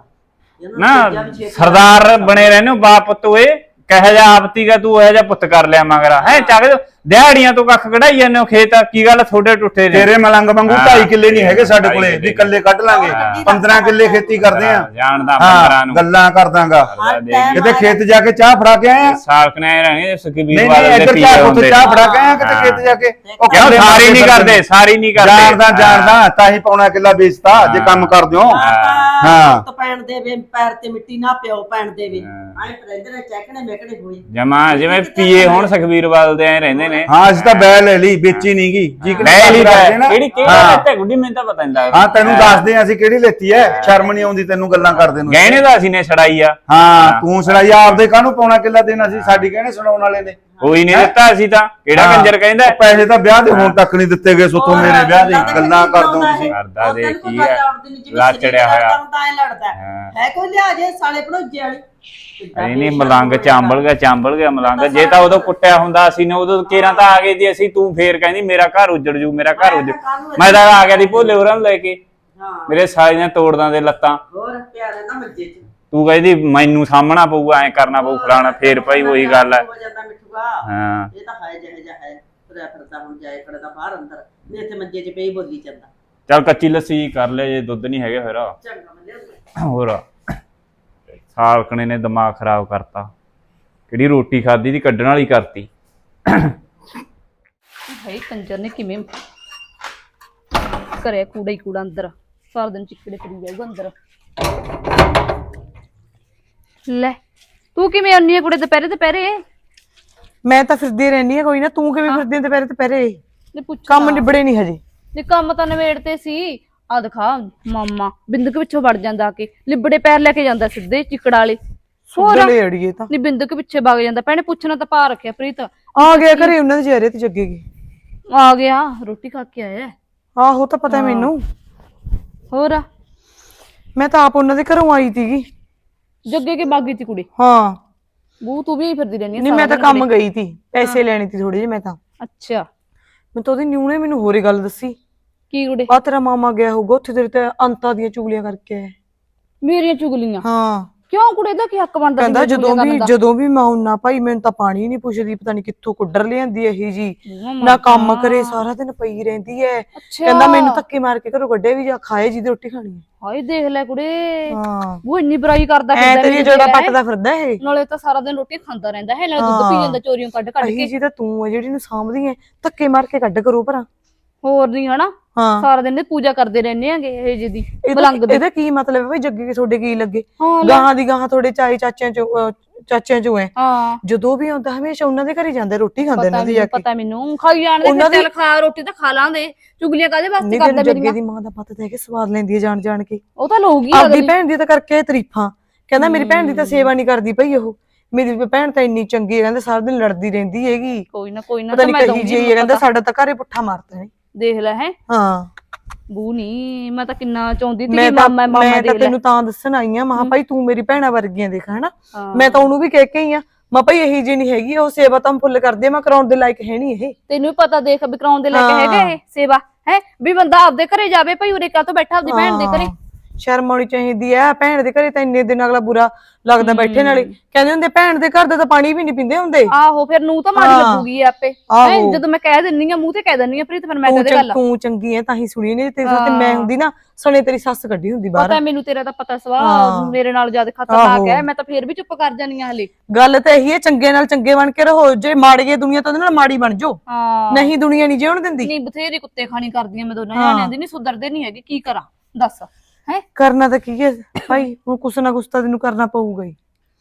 A: ਨਾ। ਸਰਦਾਰ ਬਣੇ ਰਹਿੰਦੇ ਹੋ ਬਾਪ ਪੁੱਤ ਓਏ, ਕਹੇ ਜਾ ਆਪਤੀਗਾ ਤੂੰ ਇਹ ਜਾ ਪੁੱਤ ਕਰ ਲਿਆ ਮਗਰਾ ਹੈ। ਚੱਕ ਦਿਹਾੜੀਆਂ ਤੋਂ ਕੱਖ ਕਢਾਈ ਜਾਂਦੇ ਹੋ ਖੇਤ, ਕੀ ਗੱਲ ਥੋੜੇ ਟੁੱਟੇ ਨੇ?
B: ਤੇਰੇ ਮਲੰਗ ਵਾਂਗੂ 2.5 ਕਿੱਲੇ ਨਹੀਂ ਹੈਗੇ ਸਾਡੇ ਕੋਲੇ ਵੀ ਕੱਲੇ ਕੱਢ ਲਾਂਗੇ। 15 ਕਿੱਲੇ ਖੇਤੀ ਕਰਦੇ ਆ।
A: ਜਾਣਦਾ 15 ਨੂੰ
B: ਗੱਲਾਂ ਕਰਦਾਂਗਾ। ਕਿਤੇ ਖੇਤ ਜਾ ਕੇ ਚਾਹ ਫੜਾ ਕੇ ਆਏ ਆ?
A: ਸਾਲਕ ਨੇ ਰਹਿਣੇ ਸੁਖਬੀਰ
B: ਬਾਦਲ ਦੇ ਪੀਏ ਹੁੰਦੇ। ਚਾਹ ਫੜਾ ਕੇ ਆਏ ਕਿਤੇ ਖੇਤ ਜਾ ਕੇ?
A: ਉਹ ਕਿਉਂ ਸਾਰੀ ਨਹੀਂ ਕਰਦੇ, ਸਾਰੀ ਨਹੀਂ ਕਰਦੇ।
B: ਜਾਣਦਾ ਤਾਂ ਹੀ ਪੌਣਾ ਕਿੱਲਾ ਵੇਚਤਾ ਜੇ ਕੰਮ ਕਰਦੇ ਹੋ।
C: ਹਾਂ ਤਾਂ ਪੈਣ ਦੇਵੇ, ਪੈਰ ਤੇ ਮਿੱਟੀ ਨਾ ਪਿਓ ਪੈਣ ਦੇਵੇ। ਐਂ ਰਹਿੰਦੇ ਨੇ ਚੈਕਣੇ ਮੇਕੜੇ ਹੋਏ
A: ਜਮਾ ਜਿਵੇਂ ਪੀਏ ਹੁਣ ਸੁਖਬੀਰ ਬਾਦਲ ਦੇ ਐ ਰਹਿੰਦੇ ਨੇ।
B: ਹਾਂ ਅਸੀਂ ਤਾਂ ਬੈ ਲੈ ਲਈ, ਵੇਚੀ ਨਹੀਂ ਗਈ।
A: ਲੈ ਲਈ ਕਿਹੜੀ ਲੈਤੇ ਗੁੱਡੀ, ਮੈਨੂੰ ਤਾਂ ਪਤਾ ਨਹੀਂ ਲੱਗਦਾ।
B: ਹਾਂ ਤੈਨੂੰ ਦੱਸਦੇ ਆ ਅਸੀਂ ਕਿਹੜੀ ਲੈਤੀ ਐ। ਸ਼ਰਮ ਨਹੀਂ ਆਉਂਦੀ ਤੈਨੂੰ ਗੱਲਾਂ ਕਰਦੇ ਨੂੰ?
A: ਗਹਿਣੇ ਦਾ ਅਸੀਂ ਨੇ ਛੜਾਈ ਆ।
B: ਹਾਂ ਤੂੰ ਛੜਾਈ ਆਪਦੇ ਕਾਹਨੂੰ ਪੌਣਾ ਕਿੱਲਾ ਦੇਣਾ ਸੀ? ਸਾਡੀ ਗਹਿਣੇ ਸੁਣਾਉਣ ਵਾਲੇ ਨੇ
A: ਕੋਈ ਨਹੀਂ ਦਿੱਤਾ। ਅਸੀਂ ਤਾਂ ਕਿਹੜਾ ਕੰਜਰ ਕਹਿੰਦਾ?
B: ਪੈਸੇ ਤਾਂ ਵਿਆਹ ਦੇ ਹੁਣ ਤੱਕ ਨਹੀਂ ਦਿੱਤੇ ਗਏ ਸੁੱਥੋਂ ਮੇਰੇ ਵਿਆਹ ਦੇ। ਗੱਲਾਂ ਕਰਦੋ ਤੁਸੀਂ।
A: ਕਰਦਾ ਦੇ ਕੀ ਹੈ, ਲਾਚੜਿਆ ਹੋਇਆ
C: ਹੈ। ਕੋਈ ਲਿਆ ਜੇ ਸਾਲੇ ਭਣੋਜੇ ਵਾਲੀ
A: ਨਹੀਂ ਮਲੰਗ ਚਾਂਬਲ ਗਿਆ ਮਲੰਗ। ਜੇ ਤਾਂ ਉਦੋਂ ਕੁੱਟਿਆ ਹੁੰਦਾ ਅਸੀਂ ਨੇ, ਉਦੋਂ ਕੇਰਾਂ ਤਾਂ ਆ ਗਏ ਸੀ ਅਸੀਂ। ਤੂੰ ਫੇਰ ਕਹਿੰਦੀ ਮੇਰਾ ਘਰ ਉੱਜੜ ਜੂ, ਮੇਰਾ ਘਰ ਉੱਜੜ। ਮੈਂ ਤਾਂ ਆ ਗਿਆ ਦੀ ਭੋਲੇ ਹੋਰਾਂ ਨੂੰ ਲੈ ਕੇ, ਮੇਰੇ ਸਾਲੇ ਨੇ ਤੋੜਦਾਂ ਦੇ ਲੱਤਾਂ।
C: ਹੋਰ ਪਿਆ ਰਹਿੰਦਾ ਮੰਜੇ 'ਚ।
A: ਤੂੰ ਕਹਿੰਦੀ ਮੈਨੂੰ ਸਾਹਮਣਾ ਪਊਗਾ, ਐ ਕਰਨਾ ਪਊ ਫਲਾਣਾ। ਫੇਰ ਭਾਈ ਉਹੀ ਗੱਲ ਹੈ।
C: ਹਾਂ ਇਹ ਤਾਂ ਹੈ ਜਿਹੇ ਜਿਹਾ ਹੈ। ਤੁਰਿਆ ਫਿਰਦਾ ਹੁਣ ਜਾਏ ਖੜਦਾ ਬਾਹਰ ਅੰਦਰ, ਨਹੀਂ ਇੱਥੇ ਮੰਜੇ 'ਚ ਪਈ ਬੋਲੀ ਜਾਂਦਾ।
A: ਚੱਲ ਕੱਚੀ ਲੱਸੀ ਕਰ ਲੈ ਜੇ ਦੁੱਧ ਨਹੀਂ ਹੈਗਾ ਫਿਰ।
C: ਚੰਗਾ ਮੈਂ ਲਿਆਉਂਦਾ।
A: ਹੋਰ ਸਾਲਕਣੇ ਨੇ ਦਿਮਾਗ ਖਰਾਬ ਕਰਤਾ। ਕਿਹੜੀ ਰੋਟੀ ਖਾਧੀ ਦੀ ਕੱਢਣ ਵਾਲੀ ਕਰਤੀ।
D: ਹਾਏ ਕੰਜਰ ਨੇ ਕਿਵੇਂ ਕਰਿਆ ਕੂੜਾ ਹੀ ਕੂੜਾ ਅੰਦਰ। ਸਾਰਾ ਦਿਨ ਚਿੱਕੜੇ ਕਰੀ ਜਾਊਗਾ ਅੰਦਰ। ਲੈ ਤੂੰ ਕਿਵੇਂ ਆਉਣੀ ਆ ਕੁੜੇ ਦੁਪਹਿਰੇ?
E: ਮੈਂ ਤਾਂ ਫਿਰਦੀ ਰਹਿਣੀ ਆ। ਕੋਈ ਨਾ ਤੂੰ ਕਿਵੇਂ ਫਿਰਦੀ ਦੁਪਹਿਰੇ?
D: ਨੇ ਪੁੱਛ
E: ਕੰਮ ਨਿਬੜੇ ਨਹੀਂ ਹਜੇ।
D: ਨੇ ਕੰਮ ਤਾਂ ਨਵੇੜਤੇ ਸੀ। ਆ ਦਿਖਾ ਮਾਮਾ ਬਿੰਦਕ ਪਿੱਛੋਂ ਵੜ ਜਾਂਦਾ, ਆ ਕੇ ਲਿਬੜੇ ਪੈਰ ਲੈ ਕੇ ਜਾਂਦਾ ਸਿੱਧੇ ਚਿੱਕੜਾ ਵਾਲੇ।
E: ਸੁੱਧਲੇ ਅੜੀਏ ਤਾਂ
D: ਨੀ ਬਿੰਦਕ ਪਿੱਛੇ ਵਗ ਜਾਂਦਾ। ਭੈਣੇ ਪੁੱਛਣਾ ਤਾਂ ਪਾ ਰੱਖਿਆ ਪ੍ਰੀਤ।
E: ਆ ਗਿਆ ਘਰੇ ਉਹਨਾਂ ਦੇ ਚਿਹਰੇ ਤੇ ਜੱਗੇਗੀ।
D: ਆ ਗਿਆ ਰੋਟੀ ਖਾ ਕੇ ਆਇਆ।
E: ਆਹੋ ਤਾਂ ਪਤਾ ਮੈਨੂੰ।
D: ਹੋਰ
E: ਮੈਂ ਤਾਂ ਆਪ ਉਹਨਾਂ ਦੇ ਘਰੋਂ ਆਈ ਸੀਗੀ।
D: ਜੱਗੇ ਕੇ ਬਾਗੀ ਤੀ ਕੁੜੀ।
E: ਹਾਂ
D: ਬੂ ਤੂੰ ਵੀ ਫਿਰਦੀ ਰਹਿੰਦੀ।
E: ਨਹੀਂ ਮੈਂ ਤਾਂ ਕੰਮ ਗਈ ਸੀ, ਪੈਸੇ ਲੈਣੇ ਸੀ ਥੋੜੇ ਜਿਹੇ ਮੈਂ ਤਾਂ।
D: ਅੱਛਾ
E: ਮੈਂ ਤਾਂ ਉਹਦੀ ਨਿਊ ਨੇ ਮੈਨੂੰ ਹੋਰੇ ਗੱਲ ਦੱਸੀ।
D: ਕੀ ਕੁੜੇ?
E: ਆ ਤੇਰਾ ਮਾਮਾ ਗਿਆ ਹੋਊਗਾ ਉੱਥੇ ਤੇਰੇ ਤੇ ਅੰਤਾਂ ਦੀਆਂ ਚੁਗਲੀਆਂ ਕਰਕੇ ਆਇਆ।
D: ਮੇਰੀਆਂ ਚੁਗਲੀਆਂ?
E: ਹਾਂ
D: ਕਿਉਂ ਕੁੜੇ ਦਾ ਕੀ ਹੱਕ ਬਣਦਾ?
E: ਕਹਿੰਦਾ ਜਦੋਂ ਵੀ ਮੈਂ ਆਉਣਾ ਭਾਈ ਮੈਨੂੰ ਤਾਂ ਪਾਣੀ ਨਹੀਂ ਪੁੱਛਦੀ, ਪਤਾ ਨਹੀਂ ਕਿੱਥੋਂ ਕੁੱਡਰ ਲਿਆਂਦੀ ਇਹੀ ਜੀ, ਨਾ ਕੰਮ ਕਰੇ ਸਾਰਾ ਦਿਨ ਪਈ ਰਹਿੰਦੀ ਐ। ਕਹਿੰਦਾ ਮੈਨੂੰ ਧੱਕੇ ਮਾਰ ਕੇ ਘਰੋਂ ਕੱਢੇ ਵੀ ਜਾ ਖਾਏ ਜਿਹਦੀ ਰੋਟੀ ਖਾਣੀ ਹੈ।
D: ਹਾਏ ਦੇਖ ਲੈ ਕੁੜੇ,
E: ਹਾਂ
D: ਉਹ ਇੰਨੀ ਬੁਰਾਈ ਕਰਦਾ
E: ਫਿਰਦਾ। ਤੇਰੀ ਜਿਹੜਾ ਪੱਟਦਾ ਫਿਰਦਾ ਇਹ।
D: ਨਾਲੇ ਤਾਂ ਸਾਰਾ ਦਿਨ ਰੋਟੀ ਖਾਂਦਾ ਰਹਿੰਦਾ ਹੈ, ਨਾਲੇ ਦੁੱਧ ਪੀ ਜਾਂਦਾ ਚੋਰੀਆਂ ਕੱਢ ਕੇ।
E: ਇਹੀ ਜੀ ਤਾਂ ਤੂੰ ਹੈ ਜਿਹੜੀ ਨੂੰ ਸਾਂਭਦੀ ਐ, ਧੱਕੇ ਮਾਰ ਕੇ ਕੱਢ ਕਰੋ ਭਰਾ।
D: ਹੋਰ ਨਹੀਂ ਹਨਾ?
E: ਹਾਂ
D: ਸਾਰਾ ਦਿਨ ਪੂਜਾ ਕਰਦੇ ਰਹਿੰਦੇ ਆਂਗੇ ਇਹ ਜਿਹਦੀ ਮਲੰਗ ਦੀ।
E: ਇਹਦਾ ਕੀ ਮਤਲਬ ਹੈ ਭਾਈ? ਜੱਗੇ ਕੇ ਤੁਹਾਡੇ ਕੀ ਲੱਗੇ? ਗਾਹਾਂ ਦੀ ਗਾਹਾਂ ਤੁਹਾਡੇ ਚਾਚਿਆਂ ਚੋਂ ਹੈ।
D: ਹਾਂ
E: ਜਦੋਂ ਵੀ ਆਉਂਦਾ ਹਮੇਸ਼ਾ ਉਹਨਾਂ ਦੇ ਘਰੇ ਜਾਂਦਾ, ਰੋਟੀ ਖਾਂਦੇ ਇਹਨਾਂ ਦੀ ਜਾ ਕੇ।
D: ਪਤਾ ਮੈਨੂੰ ਖਾਈ ਜਾਣਦੇ ਫਿਰ। ਚੱਲ ਖਾ ਰੋਟੀ ਤਾਂ ਖਾ ਲਾਂਦੇ, ਚੁਗਲੀਆਂ ਕਾਹਦੇ ਵਾਸਤੇ ਕਰਦਾ?
E: ਜੱਗੇ ਦੀ ਮਾਂ ਦਾ ਪਤਾ ਹੈ ਕਿ ਸਵਾਦ ਲੈਂਦੀ ਹੈ ਜਾਣ ਜਾਣ ਕੇ।
D: ਉਹ ਤਾਂ ਲਊਗੀ
E: ਆਪਦੀ ਭੈਣ ਦੀ ਤਾਂ ਕਰਕੇ ਤਾਰੀਫਾਂ। ਕਹਿੰਦਾ ਮੇਰੀ ਭੈਣ ਦੀ ਤਾਂ ਸੇਵਾ ਨਹੀਂ ਕਰਦੀ ਪਈ ਉਹ, ਮੇਰੀ ਭੈਣ ਤਾਂ ਇੰਨੀ ਚੰਗੀ ਹੈ, ਕਹਿੰਦਾ ਸਾਰਾ ਦਿਨ ਲੜਦੀ ਰਹਿੰਦੀ ਹੈਗੀ।
D: ਕੋਈ ਨਾ
E: ਪਤਾ ਨਹੀਂ ਕਹੀ ਜੀ ਕਹਿੰਦਾ ਸਾਡਾ ਤਾਂ ਘਰੇ ਪੁੱਠਾ ਮਾਰਦਾ ਹੈ।
D: ਦੇਖ ਲੈ ਹੈ।
E: ਹਾਂ
D: ਬੂ ਨਹੀਂ, ਮੈਂ ਤਾਂ ਕਿੰਨਾ ਚਾਹੁੰਦੀ ਸੀ
E: ਮੈਂ
D: ਕਿ
E: ਤਾਂ
D: ਮਾਮਾ
E: ਮੈਂ
D: ਦੇ
E: ਤਾਂ
D: ਲੈ।
E: ਤੈਨੂੰ ਤਾਂ ਦੱਸਣ ਆਈ ਆ ਮਹਾ ਭਾਈ ਤੂੰ ਮੇਰੀ ਭੈਣਾ ਵਰਗੀਆਂ ਦੇਖ ਹਨਾ
D: ਹਾਂ।
E: ਮੈਂ ਤਾਂ ਉਹਨੂੰ ਵੀ ਕਹਿ ਕੇ ਆਈ ਆ ਮੈਂ ਭਾਈ ਇਹੀ ਜੀ ਨਹੀਂ ਹੈਗੀ ਉਹ ਸੇਵਾ ਤਾਂ ਫੁੱਲ ਕਰਦੀ ਆ ਮੈਂ ਕਰਾਉਣ ਦੇ ਲਾਇਕ ਹੈ ਨਹੀਂ ਇਹ
D: ਤੈਨੂੰ ਵੀ ਪਤਾ ਦੇਖ ਵੀ ਕਰਾਉਣ ਦੇ ਲੈ ਕੇ
E: ਹਾਂ।
D: ਹੈਗੇ ਇਹ ਸੇਵਾ ਹੈ ਵੀ ਬੰਦਾ ਆਪਦੇ ਘਰੇ ਜਾਵੇ ਭਾਈ ਉਰੇ ਕਾ ਤੋਂ ਬੈਠਾ ਆਪਦੀ ਭੈਣ ਦੇ ਘਰੇ।
E: ਸ਼ਰਮ ਆਉਣੀ ਚਾਹੀਦੀ ਆ ਭੈਣ ਦੇ ਘਰੇ ਤਾਂ ਇੰਨੇ ਦਿਨ ਅਗਲਾ ਬੁਰਾ ਲੱਗਦਾ ਬੈਠੇ ਨਾਲੇ ਕਹਿੰਦੇ ਹੁੰਦੇ ਭੈਣ ਦੇ ਘਰ ਦਾ ਤਾਂ ਪਾਣੀ ਵੀ ਨਹੀਂ ਪੀਂਦੇ ਹੁੰਦੇ
D: ਆਹੋ ਫਿਰ ਨੂੰ ਤਾਂ ਮਾੜੀ
E: ਹਾਂ।
D: ਲੱਗੂਗੀ ਆਪੇ
E: ਆਹੋ।
D: ਹੈਂ, ਜਦੋਂ ਮੈਂ ਕਹਿ ਦਿੰਨੀ ਆ ਮੂੰਹ ਤੇ ਕਹਿ ਦਿੰਨੀ ਆ ਪ੍ਰੀਤ ਫਿਰ ਮੈਂ ਕਹਦੇ ਗੱਲ
E: ਤੂੰ ਚੰਗੀ ਐ ਤਾਂ ਹੀ ਸੁਣੀ ਨਹੀਂ ਤੇਰੇ ਸਾਥ ਮੈਂ ਹੁੰਦੀ ਨਾ ਸਣੇ ਤੇਰੀ ਸੱਸ ਕੱਢੀ ਹੁੰਦੀ ਬਾਹਰ
D: ਪਤਾ ਮੈਨੂੰ ਤੇਰਾ ਤਾਂ ਪਤਾ ਸਵਾ
E: ਹਾਂ।
D: ਮੇਰੇ ਨਾਲ ਜਿਆਦਾ ਖਤਰਨਾਕ
E: ਆਹੋ।
D: ਹੈ ਮੈਂ ਤਾਂ ਫੇਰ ਵੀ ਚੁੱਪ ਕਰ ਜਾਨੀ ਆ ਹਲੇ।
E: ਗੱਲ ਤਾਂ ਇਹੀ ਹੈ ਚੰਗੇ ਨਾਲ ਚੰਗੇ ਬਣ ਕੇ ਰਹੋ ਜੇ ਮਾੜੀ ਦੁਨੀਆ ਤਾਂ ਉਹਦੇ ਨਾਲ ਮਾੜੀ ਬਣ ਜਾਓ
D: ਹਾਂ
E: ਨਹੀਂ ਦੁਨੀਆ ਨਹੀਂ ਜਿਉਣ ਦਿੰਦੀ
D: ਨਹੀਂ ਬਥੇਰੀ ਕੁੱਤੇ ਖਾਣੀ ਕਰਦੀਆਂ ਮੈਂ ਦੋਨਾਂ ਜਾਣਿਆਂ ਦੀ ਨਹੀਂ ਸੁਧਰਦੇ ਨਹੀਂ ਹੈਗੇ ਕੀ ਕਰਾਂ ਦੱਸ ਹੈ
E: ਕਰਨਾ ਤਾਂ ਕੀ ਹੈ ਭਾਈ ਹੁਣ ਕੁਛ ਨਾ ਕੁਛ ਤਾਂ ਤੈਨੂੰ ਕਰਨਾ ਪਊਗਾ ਹੀ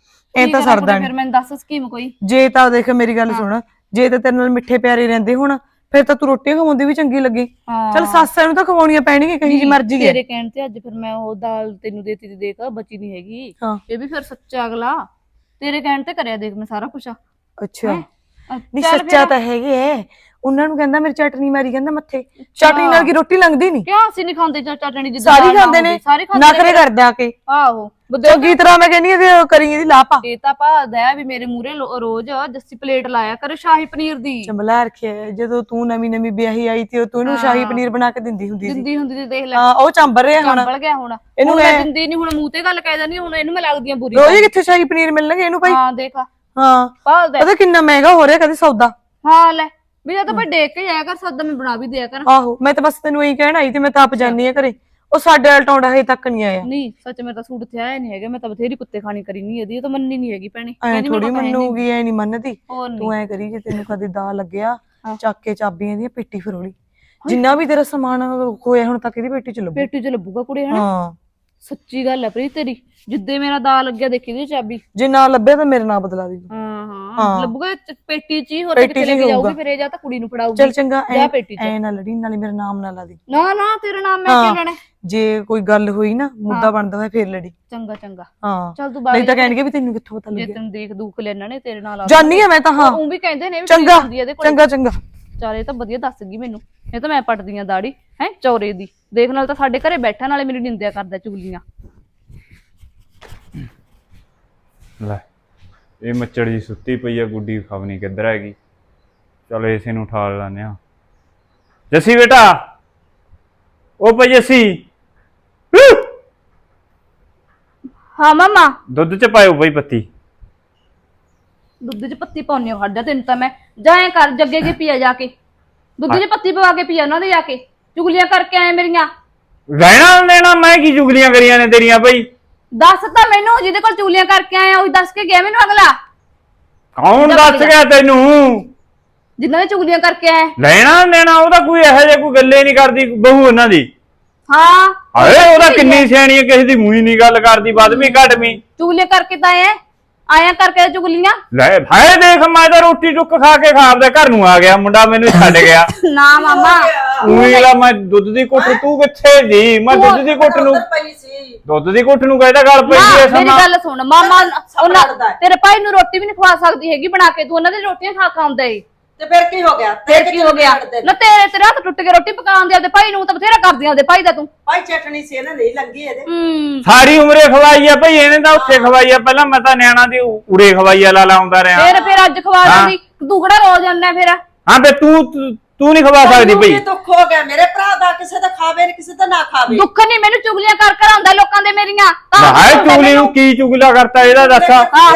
E: ਐ ਤਾਂ ਸਰਦਾ
D: ਫਿਰ
E: ਨਹੀਂ
D: ਮੈਨੂੰ ਦੱਸ ਸਕੀਮ ਕੋਈ।
E: ਜੇ ਤਾਂ ਦੇਖ ਮੇਰੀ ਗੱਲ ਸੁਣ ਜੇ ਤਾਂ ਤੇਰੇ ਨਾਲ ਮਿੱਠੇ ਪਿਆਰੇ ਰਹਿੰਦੇ ਹੁਣ ਫਿਰ ਤਾਂ ਤੂੰ ਰੋਟੀਆਂ ਖਵਾਉਂਦੀ ਵੀ ਚੰਗੀ ਲੱਗੀ ਚਲ ਸੱਸ ਨੂੰ ਤਾਂ ਖਵਾਉਣੀਆਂ ਪੈਣਗੀਆਂ ਕਹੀ ਜੀ ਮਰਜ਼ੀ ਹੈ
D: ਤੇਰੇ ਕਹਿਣ ਤੇ ਅੱਜ ਫਿਰ ਮੈਂ ਉਹ ਦਾਲ ਤੈਨੂੰ ਦੇਤੀ ਤੇ ਦੇਖ ਬਚੀ ਨਹੀਂ ਹੈਗੀ
E: ਹਾਂ।
D: ਇਹ ਵੀ ਫਿਰ ਸੱਚਾ ਅਗਲਾ ਤੇਰੇ ਕਹਿਣ ਤੇ ਕਰਿਆ ਦੇਖ ਮੈਂ ਸਾਰਾ ਕੁਛ
E: ਅੱਛਾ ਨਹੀਂ
D: ਚੱਲ
E: ਸੱਚਾ
D: ਫਿਰ।
E: ਤਾਂ ਹੈਗੇ ਐ ਉਹਨਾਂ ਨੂੰ ਕਹਿੰਦਾ ਮੇਰੀ ਚਟਨੀ ਮਾਰੀ ਕਹਿੰਦਾ ਮੱਥੇ ਚਟਨੀ ਨਾਲ ਕੀ ਰੋਟੀ ਲੰਘਦੀ ਨਹੀਂ
D: ਕਿਉਂ ਅਸੀਂ ਨਹੀਂ ਖਾਂਦੇ ਚਟਣੀ ਜਿੱਦਾਂ
E: ਸਾਰੀ
D: ਦਾਲ ਨਾ
E: ਖਾਂਦੇ ਨੇ
D: ਹੁੰਦੀ, ਸਾਰੇ
E: ਨਾ
D: ਖਾਂਦੇ
E: ਕਰੇ
D: ਨੇ।
E: ਕਰਦੇ ਆ ਕੇ
D: ਆਹੋ
E: ਚੰਗੀ ਤਰ੍ਹਾਂ ਮੈਂ ਕਹਿੰਦੀ ਇਹਦੇ ਕਰੀ ਇਹਦੀ ਲਾਪਾ
D: ਇਹ ਤਾਂ ਭਾਦਾ ਵੀ ਮੇਰੇ ਮੂਹਰੇ ਰੋਜ਼ ਜੱਸੀ ਪਲੇਟ ਲਾਇਆ ਕਰ ਸ਼ਾਹੀ ਪਨੀਰ ਦੀ
E: ਚੰਬਲਾ ਰੱਖਿਆ ਜਦੋਂ ਤੂੰ ਨਵੀਂ ਵਿਆਹੀ ਆਈ ਤੇ ਤੂੰ ਇਹਨੂੰ ਸ਼ਾਹੀ ਪਨੀਰ ਬਣਾ ਕੇ ਦਿੰਦੀ ਹੁੰਦੀ ਸੀ
D: ਦਿੰਦੀ ਹੁੰਦੀ ਤੇ ਦੇਖ ਲੈ
E: ਹਾਂ ਉਹ ਚੰਬਰ ਰਿਹਾ ਹੁਣ
D: ਚੰਬਲ ਗਿਆ ਹੁਣ
E: ਇਹਨੂੰ
D: ਹੁਣ ਮੈਂ
E: ਐ-
D: ਦਿੰਦੀ ਨਹੀਂ ਹੁਣ ਮੂੰਹ ਤੇ ਗੱਲ ਕਹਿ ਦਿੰਦੀ ਹੁਣ ਇਹਨੂੰ ਮੈਂ ਲੱਗਦੀ ਆ ਬੁਰੀ
E: ਰੋਜ਼ ਹੀ ਕਿੱਥੇ ਸ਼ਾਹੀ ਪਨੀਰ ਮਿਲਣਗੇ ਇਹਨੂੰ ਭਾਈ
D: ਹਾਂ ਦੇਖ
E: ਹਾਂ
D: ਭਾਦਾ
E: ਪਤਾ ਕਿੰਨਾ ਮਹਿੰਗਾ ਹੋ ਰਿਹਾ ਕਦੇ ਸੌਦਾ
D: ਹਾਂ ਲੈ ਵੀ ਜਾਂ ਤਾਂ ਭਾਈ ਦੇਖ ਕੇ ਜਾਇਆ ਕਰ ਸੱਦਾ ਮੈਂ ਬਣਾ ਵੀ ਦਿਆ ਕਰ
E: ਆਹੋ ਮੈਂ ਤਾਂ ਬਸ ਤੈਨੂੰ ਇਹੀ ਕਹਿਣ ਆਈ ਤੇ ਮੈਂ ਤਾਂ ਆਪ ਜਾਨੀ ਆ ਘਰੇ ਉਹ ਸਾਡੇ ਵਾਲ ਟੌਂਡਾ ਹਜੇ ਤੱਕ ਨਹੀਂ ਆਇਆ
D: ਨਹੀਂ ਸੱਚ ਮੇਰੇ ਤਾਂ ਸੂਟ ਤੇ ਆਇਆ ਨਹੀਂ ਹੈਗਾ ਮੈਂ ਤਾਂ ਬਥੇਰੀ ਕੁੱਤੇ ਖਾਣੀ ਕਰੀ ਨਹੀਂ ਇਹਦੀ ਇਹ ਤਾਂ ਮੰਨੀ ਨਹੀਂ ਹੈਗੀ ਭੈਣੇ
E: ਐ
D: ਕਹਿੰਦੀ
E: ਥੋੜੀ
D: ਮੈਨੂੰ ਪਤਾ ਹੈ ਨੀ।
E: ਮੰਨੂਗੀ ਐ ਨਹੀਂ ਮੰਨਦੀ
D: ਹੋਰ ਨੀ।
E: ਤੂੰ ਐ ਕਰੀ ਜੇ ਤੈਨੂੰ ਕਦੇ ਦਾ ਲੱਗਿਆ ਚੱਕ ਕੇ ਚਾਬੀਆਂ ਦੀਆਂ ਪੇਟੀ ਫਰੋਲੀ ਜਿੰਨਾ ਵੀ ਤੇਰਾ ਸਮਾਨ ਹੋਇਆ ਹੁਣ ਤੱਕ ਇਹਦੀ ਪੇਟੀ ਚ ਲੱਭੂ
D: ਪੇਟੀ ਚ ਲੱਭੂਗਾ ਕੁੜੇ ਹਨਾ
E: ਹਾਂ
D: ਸੱਚੀ ਗੱਲ ਹੈ ਪ੍ਰੀਤ ਤੇਰੀ ਜਿੱਦੇ ਮੇਰਾ ਦਾ ਲੱਗਿਆ ਦੇਖੀ ਦੀ ਚਾਬੀ
E: ਜੇ ਨਾ ਲੱਭਿਆ ਤਾਂ ਮੇਰੇ ਨਾਲ ਬਦਲਾ ਦੀ
D: ਹਾਂ ਲੱਭੂਗਾ ਪੇਟੀ ਚ ਹੀ ਹੋਰ ਕਿਤੇ ਲੈ ਕੇ ਜਾਊਗੀ ਫਿਰ ਇਹ ਜਾਂ ਤਾਂ ਕੁੜੀ ਨੂੰ ਫੜਾਊਗੀ
E: ਚੱਲ ਚੰਗਾ
D: ਜਾ ਪੇਟੀ ਚ
E: ਐ ਨਾ ਲੜੀ ਨਾਲੇ ਮੇਰਾ ਨਾਮ ਨਾ ਲਾ ਦੀ
D: ਨਾ ਨਾ ਤੇਰਾ ਨਾਮ ਮੈਂ ਕਿਉਂ ਲੈਣਾ
E: ਜੇ ਕੋਈ ਗੱਲ ਹੋਈ ਨਾ ਮੁੱਦਾ ਬਣਦਾ ਹੋਇਆ ਫੇਰ ਲੜੀ
D: ਚੰਗਾ ਚੰਗਾ
E: ਹਾਂ
D: ਚੱਲ ਤੂੰ
E: ਨਹੀਂ
D: ਬਾਹਰ
E: ਤਾਂ ਕਹਿਣਗੇ ਵੀ ਤੈਨੂੰ ਕਿੱਥੋਂ ਪਤਾ
D: ਜੇ
E: ਲੱਗਿਆ
D: ਤੈਨੂੰ ਦੇਖ ਦੂਖ ਲੈਣਾ ਨੇ ਤੇਰੇ ਨਾਲ ਆ
E: ਜਾਨੀ ਆ ਮੈਂ ਤਾਂ ਹਾਂ
D: ਉਹ ਵੀ ਕਹਿੰਦੇ ਨੇ ਵੀ
E: ਚੰਗਾ
D: ਹੁੰਦੀ ਇਹਦੇ ਕੋਲ
E: ਚੰਗਾ ਚੰਗਾ
D: ਚਾਰੇ ਤਾਂ ਵਧੀਆ ਦੱਸ ਗਈ ਮੈਨੂੰ ਇਹ ਤਾਂ ਮੈਂ ਪਟਦੀ ਆ ਦਾੜੀ ਹੈ ਚੌਰੇ ਦੀ ਦੇਖ ਨਾਲ ਤਾਂ ਸਾਡੇ ਘਰੇ ਬੈਠਾ ਨਾਲੇ ਮੇਰੀ ਨਿੰਦਿਆ ਕਰਦਾ ਚੁਗਲੀਆਂ
A: ਲੈ ਇਹ ਮੱਚੜ ਜੀ ਸੁੱਤੀ ਪਈ ਆ ਗੁੱਡੀ ਖਵਨੀ ਕਿੱਧਰ ਹੈਗੀ ਚਲ ਇਸੇ ਨੂੰ ਠਾਲ ਲਾਨੇ ਆ ਜੱਸੀ ਬੇਟਾ ਉਹ ਪਈ ਜੱਸੀ
D: ਹਾਂ ਮਾਮਾ
A: ਦੁੱਧ ਚ ਪਾਇਓ ਬਈ ਪੱਤੀ
D: ਦੁੱਧ 'ਚ ਪੱਤੀ ਪਾਉਣੀ ਆ ਹੱਡਾ ਤੈਨੂੰ ਤਾਂ ਮੈਂ ਜਾਏ ਕਰ ਜੱਗੇ ਕੇ ਪੀਆ ਜਾ ਕੇ ਦੁੱਧ 'ਚ ਪੱਤੀ ਪਵਾ ਕੇ ਪੀਆ ਉਹਨਾਂ ਦੇ ਜਾ ਕੇ ਚੁਗਲੀਆਂ ਕਰਕੇ ਆਏ ਮੇਰੀਆਂ
A: ਰਹਿਣਾ ਦੇਣਾ ਮੈਂ ਕੀ ਚੁਗਲੀਆਂ ਕਰੀਆਂ ਨੇ ਤੇਰੀਆਂ ਬਈ
D: ਦੱਸ ਤਾਂ ਮੈਨੂੰ ਜਿਹਦੇ ਕੋਲ ਚੁਗਲੀਆਂ ਕਰਕੇ ਆਏ ਉਹ ਦੱਸ ਕੇ ਗਿਆ ਮੈਨੂੰ ਅਗਲਾ
A: ਕੌਣ ਦੱਸ ਗਿਆ ਤੈਨੂੰ
D: ਜਿਨ੍ਹਾਂ ਨੇ ਚੁਗਲੀਆਂ ਕਰਕੇ ਆਏ
A: ਲੈਣਾ ਦੇਣਾ ਉਹਦਾ ਕੋਈ ਇਹੋ ਜਿਹਾ ਕੋਈ ਗੱਲੇ ਨਹੀਂ ਕਰਦੀ ਬਹੂ ਉਹਨਾਂ ਦੀ
D: ਹਾਂ
A: ਹਾਏ ਉਹਦਾ ਕਿੰਨੀ ਸਿਆਣੀ ਹੈ ਕਿਸੇ ਦੀ ਮੂੰਹ ਹੀ ਨਹੀਂ ਗੱਲ ਕਰਦੀ ਵੱਧਵੀਂ ਘਟਵੀਂ
D: ਚੁਗਲੀਆਂ ਕਰਕੇ ਤਾਂ ਆਇਆ ਕਰਕੇ ਚੁਗਲੀਆਂ
A: ਲੈ ਭਾਏ ਦੇਖ ਮੈਂ ਤਾਂ ਰੋਟੀ ਟੁੱਕ ਖਾ ਕੇ ਖਾਪਦਾ ਘਰ ਨੂੰ ਆ ਗਿਆ ਮੁੰਡਾ ਮੈਨੂੰ ਛੱਡ ਗਿਆ
D: ਨਾ ਮਾਮਾ
A: ਉਹੀ ਮੈਂ ਦੁੱਧ ਦੀ ਘੁੱਟ ਤੂੰ ਕਿੱਥੇ ਜੀ ਮੈਂ ਦੁੱਧ ਦੀ ਘੁੱਟ ਨੂੰ
C: ਪਈ ਸੀ
A: ਦੁੱਧ ਦੀ ਘੁੱਟ ਨੂੰ ਕਹਿੰਦਾ ਗੱਲ ਪਈ
D: ਨਾ
A: ਐ
D: ਮੇਰੀ
A: ਸਮਾਂ
D: ਗੱਲ ਸੁਣ ਮਾਮਾ ਉਹਨਾਂ
C: ਲੜਦਾ ਹੈ।
D: ਤੇਰੇ ਭਾਈ ਨੂੰ ਰੋਟੀ ਵੀ ਨਹੀਂ ਖਵਾ ਸਕਦੀ ਹੈਗੀ ਬਣਾ ਕੇ ਤੂੰ ਉਹਨਾਂ ਦੀ ਰੋਟੀਆਂ ਖਾ ਖਾਉਂਦਾ ਏ
C: ਤੇ ਫਿਰ ਕੀ ਹੋ ਗਿਆ
D: ਫੇਰ ਕੀ ਹੋ ਗਿਆ ਨਾ ਤੇਰੇ ਹੱਥ ਟੁੱਟ ਕੇ ਰੋਟੀ ਪਕਾਉਣ ਦੇ ਆਪਦੇ ਭਾਈ ਨੂੰ ਤਾਂ ਬਥੇਰਾ ਕਰਦੀਆਂ ਆਪਦੇ ਭਾਈ ਦਾ ਤੂੰ
C: ਭਾਈ ਚਟਣੀ ਸੀ ਇਹਨੇ ਨਹੀਂ ਲੰਗੀ ਇਹਦੇ
A: ਸਾਰੀ ਉਮਰੇ ਖਵਾਈ ਆ ਭਈ ਇਹਨੇ ਤਾਂ ਉੱਥੇ ਖਵਾਈ ਆ ਪਹਿਲਾਂ ਮੈਂ ਤਾਂ ਨਿਆਣਾ ਦੀ ਉਰੇ ਖਵਾਈ ਆ ਲਾ ਲਾਉਂਦਾ ਰਿਹਾ
D: ਫੇਰ ਅੱਜ ਖਵਾ ਦਿੰਦੀ ਤੂੰ ਕਿਹੜਾ ਰੋਜ਼ ਆਉਂਦਾ ਫੇਰ
A: ਹਾਂ ਤੇ ਤੂੰ ਨਹੀਂ ਖਵਾ ਸਕਦੀ ਭਈ
C: ਦੁੱਖ ਹੋ ਗਿਆ ਮੇਰੇ ਭਰਾ ਦਾ ਕਿਸੇ ਦਾ ਖਾਵੇ ਕਿਸੇ ਦਾ ਨਾ ਖਾਵੇ
D: ਦੁੱਖ ਨਹੀਂ ਮੈਨੂੰ ਚੁਗਲੀਆਂ ਕਰ ਆਉਂਦਾ ਲੋਕਾਂ ਦੇ ਮੇਰੀਆਂ
A: ਹਾਏ ਚੁਗਲੀ ਨੂੰ ਕੀ ਚੁਗਲਾ ਕਰਤਾ ਇਹਦਾ ਦੱਸ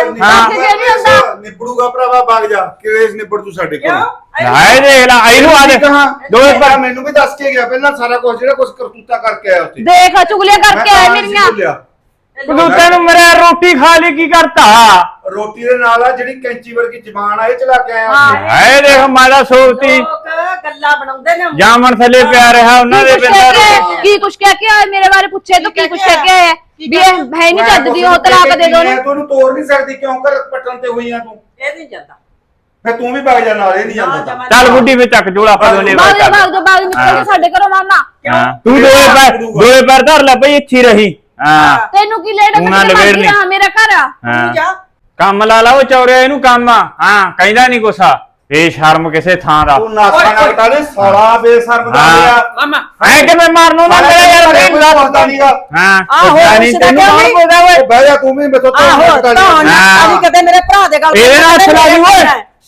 B: ਨਿਬੜੂਗਾ ਭਰਾਵਾ ਵਗ ਜਾ ਕਿਵੇਂ ਨਿਬੜ ਤੂੰ ਸਾਡੇ ਕੋਲ
A: ਹਾਏ ਦੇਖ ਲੈ ਇਹਨੂੰ ਆ ਦੇਖ ਦੋਏ ਪਰ
B: ਮੈਨੂੰ ਵੀ ਦੱਸ ਕੇ ਗਿਆ ਪਹਿਲਾਂ ਸਾਰਾ ਕੁਝ ਜਿਹੜਾ ਕੁਝ ਕਰਤੂਤਾ ਕਰਕੇ ਆਇਆ ਉੱਥੇ
D: ਦੇਖ ਚੁਗਲੀਆਂ ਕਰਕੇ ਆਏ ਮੇਰੀਆਂ
A: ਤੂੰ ਤੈਨੂੰ ਮੇਰੇ ਰੋਟੀ ਖਾ ਲਈ ਕੀ ਕਰਤਾ
B: ਰੋਟੀ ਦੇ ਨਾਲ ਆ ਜਿਹੜੀ ਕੈਂਚੀ ਵਰਗੀ ਜ਼ਬਾਨ ਆ ਇਹ ਚਲਾ ਕੇ ਆਇਆ
A: ਹਾਏ ਦੇਖ ਮੈਂ ਤਾਂ ਸੋਚਤੀ
C: ਲੋਕ ਗੱਲਾਂ ਬਣਾਉਂਦੇ ਨੇ
A: ਜਾਮਣ ਥੱਲੇ ਪਿਆ ਰਿਹਾ ਉਹਨਾਂ ਦੇ ਬਿੰਦਰ
D: ਕੀ ਕੁਛ ਕਹਿ ਕੇ ਆਏ ਮੇਰੇ ਬਾਰੇ ਪੁੱਛੇ ਤੂੰ ਕੀ ਕੁਛ ਕਹਿ ਕੇ ਆਇਆ ਵੀ ਇਹ ਹੈ ਨਹੀਂ ਚੱਜਦੀ ਉਹ ਤਲਾਕ ਦੇ ਦੋ
B: ਤੂੰ ਉਹਨੂੰ ਤੋੜ ਨਹੀਂ ਸਕਦੀ ਕਿਉਂ ਕਰ ਪਟਣ ਤੇ ਹੋਈ ਆ ਤੂੰ
C: ਇਹ ਨਹੀਂ ਜਾਂਦਾ
B: ਫੇ ਤੂੰ ਵੀ ਵਗ ਜਾ ਨਾਲ ਇਹ ਨਹੀਂ ਜਾਂਦਾ
A: ਚੱਲ ਗੁੱਡੀ ਵਿੱਚ ਚੱਕ ਜੋੜਾ ਆਪਾਂ ਦੋਨੇ
D: ਬਾਗ ਬਾਗ ਨਿਕਲ ਸਾਡੇ ਘਰੋਂ ਮਾਮਾ
A: ਤੂੰ ਦੋਏ ਪੈਰ ਧਰ ਲੈ ਪਈ ਇੱਥੇ ਰਹੀ ਹਾਂ
D: ਤੈਨੂੰ ਕੀ ਲੈਣਾ
A: ਤੂੰ ਨਾ ਲਵੇੜ ਨਹੀਂ
D: ਮੇਰਾ ਘਰ ਆ
A: ਹਾਂ
C: ਜਾ
A: ਕੰਮ ਲਾ ਲਾ ਉਹ ਚੌਰਿਆ ਇਹਨੂੰ ਕੰਮ ਆ ਹਾਂ ਕਹਿੰਦਾ ਨਹੀਂ ਕੁਛ ਬੇਸ਼ਰਮ ਕਿਸੇ ਥਾਂ ਦਾ
B: ਤੂੰ ਨਾਸਾ ਨਾ ਬਟਾਲੇ ਸਾਲਾ ਬੇਸ਼ਰਮ ਦਾ
A: ਹਾਂ।
B: ਲਿਆ
F: ਮਾਮਾ
A: ਐ ਕਿਵੇਂ ਮਾਰਨੋਂ ਨਾ ਮੇਰਾ ਯਾਰ
B: ਤੈਨੂੰ ਪਤਾ ਨਹੀਂਗਾ
A: ਹਾਂ
E: ਆਹੋ,
A: ਜਾਨੀ
E: ਉਸਦਾ
A: ਤੈਨੂੰ
E: ਕਿਉਂ
A: ਕੌਣ
E: ਨਹੀਂ?
A: ਬੋਲਦਾ ਓਏ
B: ਬਹਿ ਜਾ ਤੂੰ ਵੀ ਮੇਥੋਂ
E: ਆਹੋ
B: ਬਤਾ
E: ਤਾਂ
B: ਲਈ
A: ਹਾਂ।
E: ਅਸੀਂ ਕਦੇ ਮੇਰੇ ਭਰਾ ਦੇ ਗੱਲ
A: ਇਹਦੇ ਨਾਲ ਹੱਥ ਲਾ ਲਈ ਓਏ।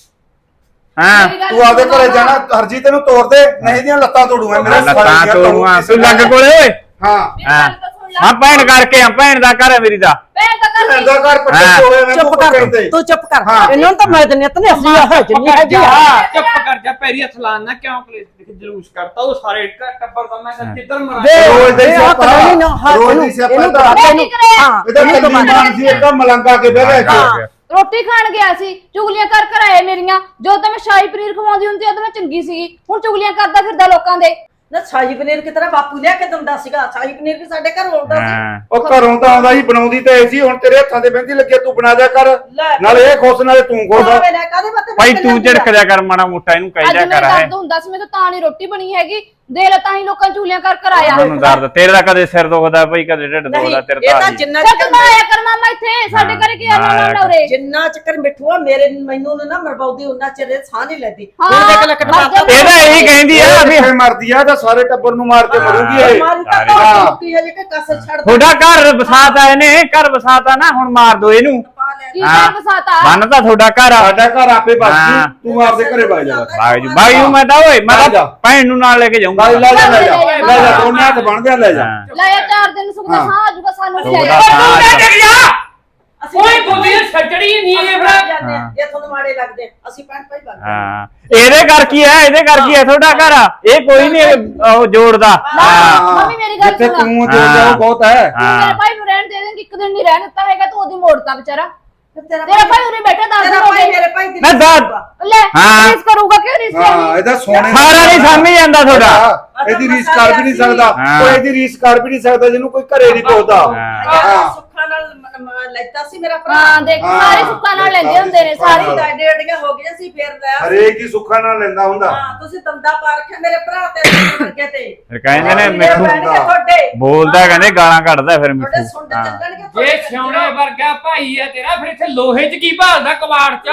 A: ਹਾਂ
B: ਤੂੰ ਆਪਦੇ ਘਰੇ ਜਾਣਾ ਹਰਜੀ ਤੈਨੂੰ ਤੋੜ ਦੇ ਨਹੀਂ ਦੀਆਂ ਲੱਤਾਂ ਤੋੜੂਗਾ ਮੇਰੇ
A: ਲੱਤਾਂ ਤੋੜੂਆਂ ਤੂੰ ਲੱਗ ਕੋਲੇ ਓਏ
B: ਹਾਂ
A: ਹਾਂ ਹਾਂ ਭੈਣ ਕਰਕੇ ਆ ਭੈਣ ਦਾ ਘਰ ਹੈ ਮੇਰੀ ਦਾ
D: ਭੈਣ ਤਾਂ ਕਰ
B: ਇਹਦਾ ਘਰ ਪੱਟੇ
A: ਹਾਂ।
B: ਹੋਏ ਮੈਂ
E: ਚੁੱਪ ਕਰ ਤੂੰ ਚੁੱਪ ਕਰ ਇਹਨਾਂ ਨੂੰ ਤਾਂ ਮੈਂ ਦਿੰਨੀ ਤਨੇ ਅਸੀਂ ਆ ਜਿੰਨੀ ਹੈਗੀ ਆ
F: ਚੁੱਪ ਕਰ ਜਾ ਪੈਰੀ ਹੱਥ ਲਾਣਾ ਕਿਉਂ ਕਲੇਸ਼ ਜਲੂਸ ਕਰਤਾ ਉਹ ਸਾਰੇ ਟੱਬਰ ਦਾ ਮੈਂ ਕਿਹਾ ਜਿੱਧਰ ਮਰਾ
B: ਰੋਜ਼ ਦਾ ਹੀ ਸਿਆਪਾ ਰੋਜ਼ ਦੀ ਸਿਆਪਾ
E: ਇਹਨੂੰ
B: ਦਾ
E: ਦੱਸ
D: ਹਾਂ
B: ਇਹਦਾ ਕੱਲੀ ਮਾਨ ਸੀ ਇੱਕ ਮਲੰਗਾ ਕੇ ਬਹਿ ਗਿਆ
E: ਹਾਂ।
D: ਰੋਟੀ ਖਾਣ ਗਿਆ ਸੀ ਚੁਗਲੀਆਂ ਕਰ ਆਏ ਮੇਰੀਆਂ ਜੋ ਤਾਂ ਮੈਂ ਸ਼ਾਹੀ ਪਨੀਰ ਖਵਾਉਂਦੀ ਹੁੰਦੀ ਉਦੋਂ ਮੈਂ ਚੰਗੀ ਸੀਗੀ ਹੁਣ ਚੁਗਲੀਆਂ ਕਰਦਾ ਫਿਰਦਾ ਲੋਕਾਂ ਦੇ
C: ਨਾ ਸ਼ਾਹੀ ਪਨੀਰ ਕਿ ਤਰ੍ਹਾਂ ਬਾਪੂ ਲਿਆ ਕੇ ਦਿੰਦਾ ਸੀਗਾ ਸ਼ਾਹੀ ਪਨੀਰ ਵੀ ਸਾਡੇ ਘਰ ਆਉਂਦਾ ਸੀ
A: ਹਾਂ
B: ਉਹ ਘਰੋਂ ਤਾਂ ਆਉਂਦਾ ਸੀ ਬਣਾਉਂਦੀ ਤਾਂ ਐਸੀ ਹੁਣ ਤੇਰੇ ਹੱਥਾਂ ਤੇ ਬਹਿੰਦੀ ਲੱਗੇ ਤੂੰ ਬਣਾ ਦਿਆ ਕਰ ਨਾਲੇ ਇਹ ਖੁਸ਼ ਨਾਲੇ ਤੂੰ ਖੁਸ਼
C: ਕਾਹਦੇ ਬਾਤੇ
A: ਭਾਈ ਤੂੰ ਝੜਕ ਜਾ ਕਰ ਮਾੜਾ ਮੋਟਾ ਇਹਨੂੰ ਕਹਿ
D: ਅੱਜ
A: ਜਾ
D: ਮੇਰੇ
A: ਕਰ ਹੈ
D: ਦਰਦ ਹੁੰਦਾ ਸੀ ਮੈਨੂੰ ਤਾਂ ਨਹੀਂ ਰੋਟੀ ਬਣੀ ਹੈਗੀ ਦੇ ਲੈ ਤਾਂ ਹੀ ਲੋਕਾਂ ਨੂੰ ਚੁਗਲੀਆਂ ਕਰ ਆਇਆ
A: ਮੈਨੂੰ ਦਰਦ ਤੇਰੇ ਦਾ ਕਦੇ ਸਿਰ ਦੁਖਦਾ ਭਾਈ ਕਦੇ ਢਿੱਡ ਦੁਖਦਾ ਤੇਰੇ
C: ਇਹ
A: ਦਾ
C: ਤਾਂ
A: ਨਹੀਂ।
C: ਜਿੰਨਾ
D: ਚੱਲ ਤੂੰ ਨਾ ਆਇਆ ਕਰ ਮਾਮਾ ਇੱਥੇ ਸਾਡੇ ਘਰੇ ਕੀ ਆਣਾ ਨਾ ਉਰੇ
C: ਜਿੰਨਾ ਚੱਕਰ ਮਿੱਠੂਆ ਮੇਰੇ ਮੈਨੂੰ ਨਾ ਮਰਵਾਉਂਦੀ ਉਹਨਾਂ ਚਿਰ ਇਹ ਸਾਹ ਨਹੀਂ ਲੈਂਦੀ
D: ਹਾਂ,
C: ਹੁਣ ਦੇਖ ਲੈ
D: ਮਰ ਜਾ।
A: ਇਹ ਤਾਂ ਇਹੀ ਕਹਿੰਦੀ ਆ ਵੀ
B: ਕਿੱਥੇ ਮਰਦੀ ਆ ਤਾਂ ਸਾਰੇ ਟੱਬਰ ਨੂੰ ਮਾਰ ਕੇ ਮਰੂਗੀ ਇਹ
C: ਮਾਰੀ ਤਾਂ
A: ਸਾਰੇ।
C: ਮੁੱਕੀ ਹੈ ਜੇ ਕਿ ਕਸਰ ਛੱਡ
A: ਤੁਹਾਡਾ ਘਰ ਵਸਾਤਾ ਇਹਨੇ ਘਰ ਵਸਾਤਾ ਨਾ ਹੁਣ ਮਾਰ ਦੋ ਇਹਨੂੰ
C: ਪਾ ਲੈ
D: ਕੀ
A: ਹਾਂ।
D: ਕਰ ਬਸਾਤਾ
A: ਬੰਨ ਤਾਂ ਤੁਹਾਡਾ ਘਰ ਆ
B: ਸਾਡਾ ਘਰ ਆਪੇ ਬਸ
A: ਹਾਂ।
B: ਤੂੰ ਆਪਦੇ ਘਰੇ ਵਗ ਜਾ ਬਸ
A: ਬਾਈ ਨੂੰ ਮੈਂ ਤਾਂ ਓਏ ਮੈਂ
B: ਲੈ ਜਾ।
A: ਤਾਂ ਭੈਣ ਨੂੰ ਨਾਲ ਲੈ ਕੇ ਜਾਊਂਗਾ
B: ਲੈ ਜਾ ਲੈ ਜਾ
D: ਲੈ ਜਾ।
B: ਲੈ ਜਾ ਦੋਨੇ ਹੱਥ ਬਣਦੇ ਆ ਲੈ ਜਾ
A: ਹਾਂ।
D: ਲੈ ਆ 4 ਦਿਨ ਸੁਖ ਦਾ
B: ਹਾਂ।
D: ਸਾਹ ਆਜੂਗਾ ਸਾਨੂੰ ਵੀ
A: ਸੁੱਖ ਦਾ
D: ਲੈ
A: ਸਾਹ
D: ਜਾ।
A: ਆਜੂਗਾ।
C: ਅਸੀਂ
F: ਕੋਈ ਬੁੱਧੀ ਸੱਜੜੀ ਨਹੀਂ ਇਹ ਫਿਰ
C: ਜਾਂਦੇ ਆ, ਜੇ ਤੁਹਾਨੂੰ ਮਾੜੇ ਲੱਗਦੇ ਆ, ਅਸੀਂ ਭੈਣ ਭਾਈ ਬਣਦੇ
A: ਹਾਂ ਇਹਦੇ ਘਰ ਕੀ ਹੈ ਇਹਦੇ ਘਰ ਕੀ ਹੈ ਤੁਹਾਡਾ ਘਰ ਆ ਇਹ ਕੋਈ ਨਹੀਂ ਉਹ ਜੋੜਦਾ ਹਾਂ
D: ਮੰਮੀ ਮੇਰੀ ਗੱਲ
B: ਜਿੱਥੇ
D: ਸੁਣ
B: ਤੂੰ ਜੋ ਜਾਓ ਬਹੁਤ ਹੈ
D: ਤੂੰ
A: ਹਾਂ
D: ਮੇਰੇ ਭਾਈ ਨੂੰ ਰਹਿਣ ਦੇ ਦੇਂਗੀ ਇੱਕ ਦਿਨ ਨਹੀਂ ਰਹਿਣ ਦਿੱਤਾ ਹੈਗਾ ਤੂੰ ਉਹਦੀ ਮੋੜਤਾ ਵਿਚਾਰਾ
C: ਤੇਰਾ
D: ਤੇਰਾ ਭਾਈ ਉਰੇ ਬੈਠਾ 10 ਦਿਨ
C: ਤੇਰਾ
D: ਹੋ
C: ਭਾਈ
D: ਗਏ
C: ਮੇਰੇ ਭਾਈ ਦੀ
A: ਮੈਂ ਦੱਸ।
D: ਲੈ
A: ਹਾਂ।
D: ਰੀਸ ਕਰੂਗਾ ਕਿ ਰੀਸ
B: ਹਾਂ
D: ਕਰਨੀ
B: ਇਹਦਾ ਸੋਨੇ
A: ਸਾਰਾ ਨਹੀਂ ਸਮਝ ਜਾਂਦਾ ਤੁਹਾਡਾ
B: ਇਹਦੀ ਰੀਸ ਕਰ ਵੀ ਨਹੀਂ ਸਕਦਾ
A: ਹਾਂ।
B: ਕੋਈ ਇਹਦੀ ਰੀਸ ਕਰ ਵੀ ਨਹੀਂ ਸਕਦਾ ਜਿਹਨੂੰ ਕੋਈ ਘਰੇ ਨਹੀਂ ਪਹੁੰਚਦਾ
A: ਹਾਂ।
C: ਸੁੱਖਾਂ ਨਾਲ ਲੈਤਾ ਸੀ ਮੇਰਾ ਭਰਾ
D: ਹਾਂ ਦੇਖ
B: ਹਾਂ।
D: ਸਾਰੇ ਸੁੱਕਾਂ ਨਾਲ ਲੈਂਦੇ ਹੁੰਦੇ ਨੇ
C: ਸਾਰੀ
D: ਸਾਰੀ
C: ਡਾਡੇ ਡਾਡੀਆਂ ਹੋ ਗਈਆਂ ਸੀ ਫੇਰ ਲਿਆ ਸੀ।
B: ਹਰੇਕ ਹੀ ਸੁੱਖਾਂ ਨਾਲ ਲੈਂਦਾ ਹੁੰਦਾ
C: ਹਾਂ ਤੁਸੀਂ ਦੰਦਾ ਪਾ ਰੱਖਿਆ ਮੇਰੇ ਭਰਾ ਤੇ ਵਰਗੇ ਤੇ
A: ਫਿਰ ਕਹਿੰਦੇ ਨੇ
C: ਮੇਰੇ
A: ਮਿੱਠੂ
C: ਬਹਿਣਗੇ ਤੁਹਾਡੇ
A: ਬੋਲਦਾ ਕਹਿੰਦੇ ਗਾਲਾਂ ਕੱਢਦਾ ਫਿਰ
C: ਤੁਹਾਡੇ
A: ਮਿੱਠੂ
C: ਸੁੰਡ
A: ਹਾਂ
C: ਚੱਲਣਗੇ
F: ਜੇ ਸਿਉਣੇ ਵਰਗਾ ਭਾਈ ਆ ਤੇਰਾ ਫਿਰ ਇੱਥੇ ਲੋਹੇ 'ਚ ਕੀ ਭਾਲਦਾ ਕਬਾੜ 'ਚ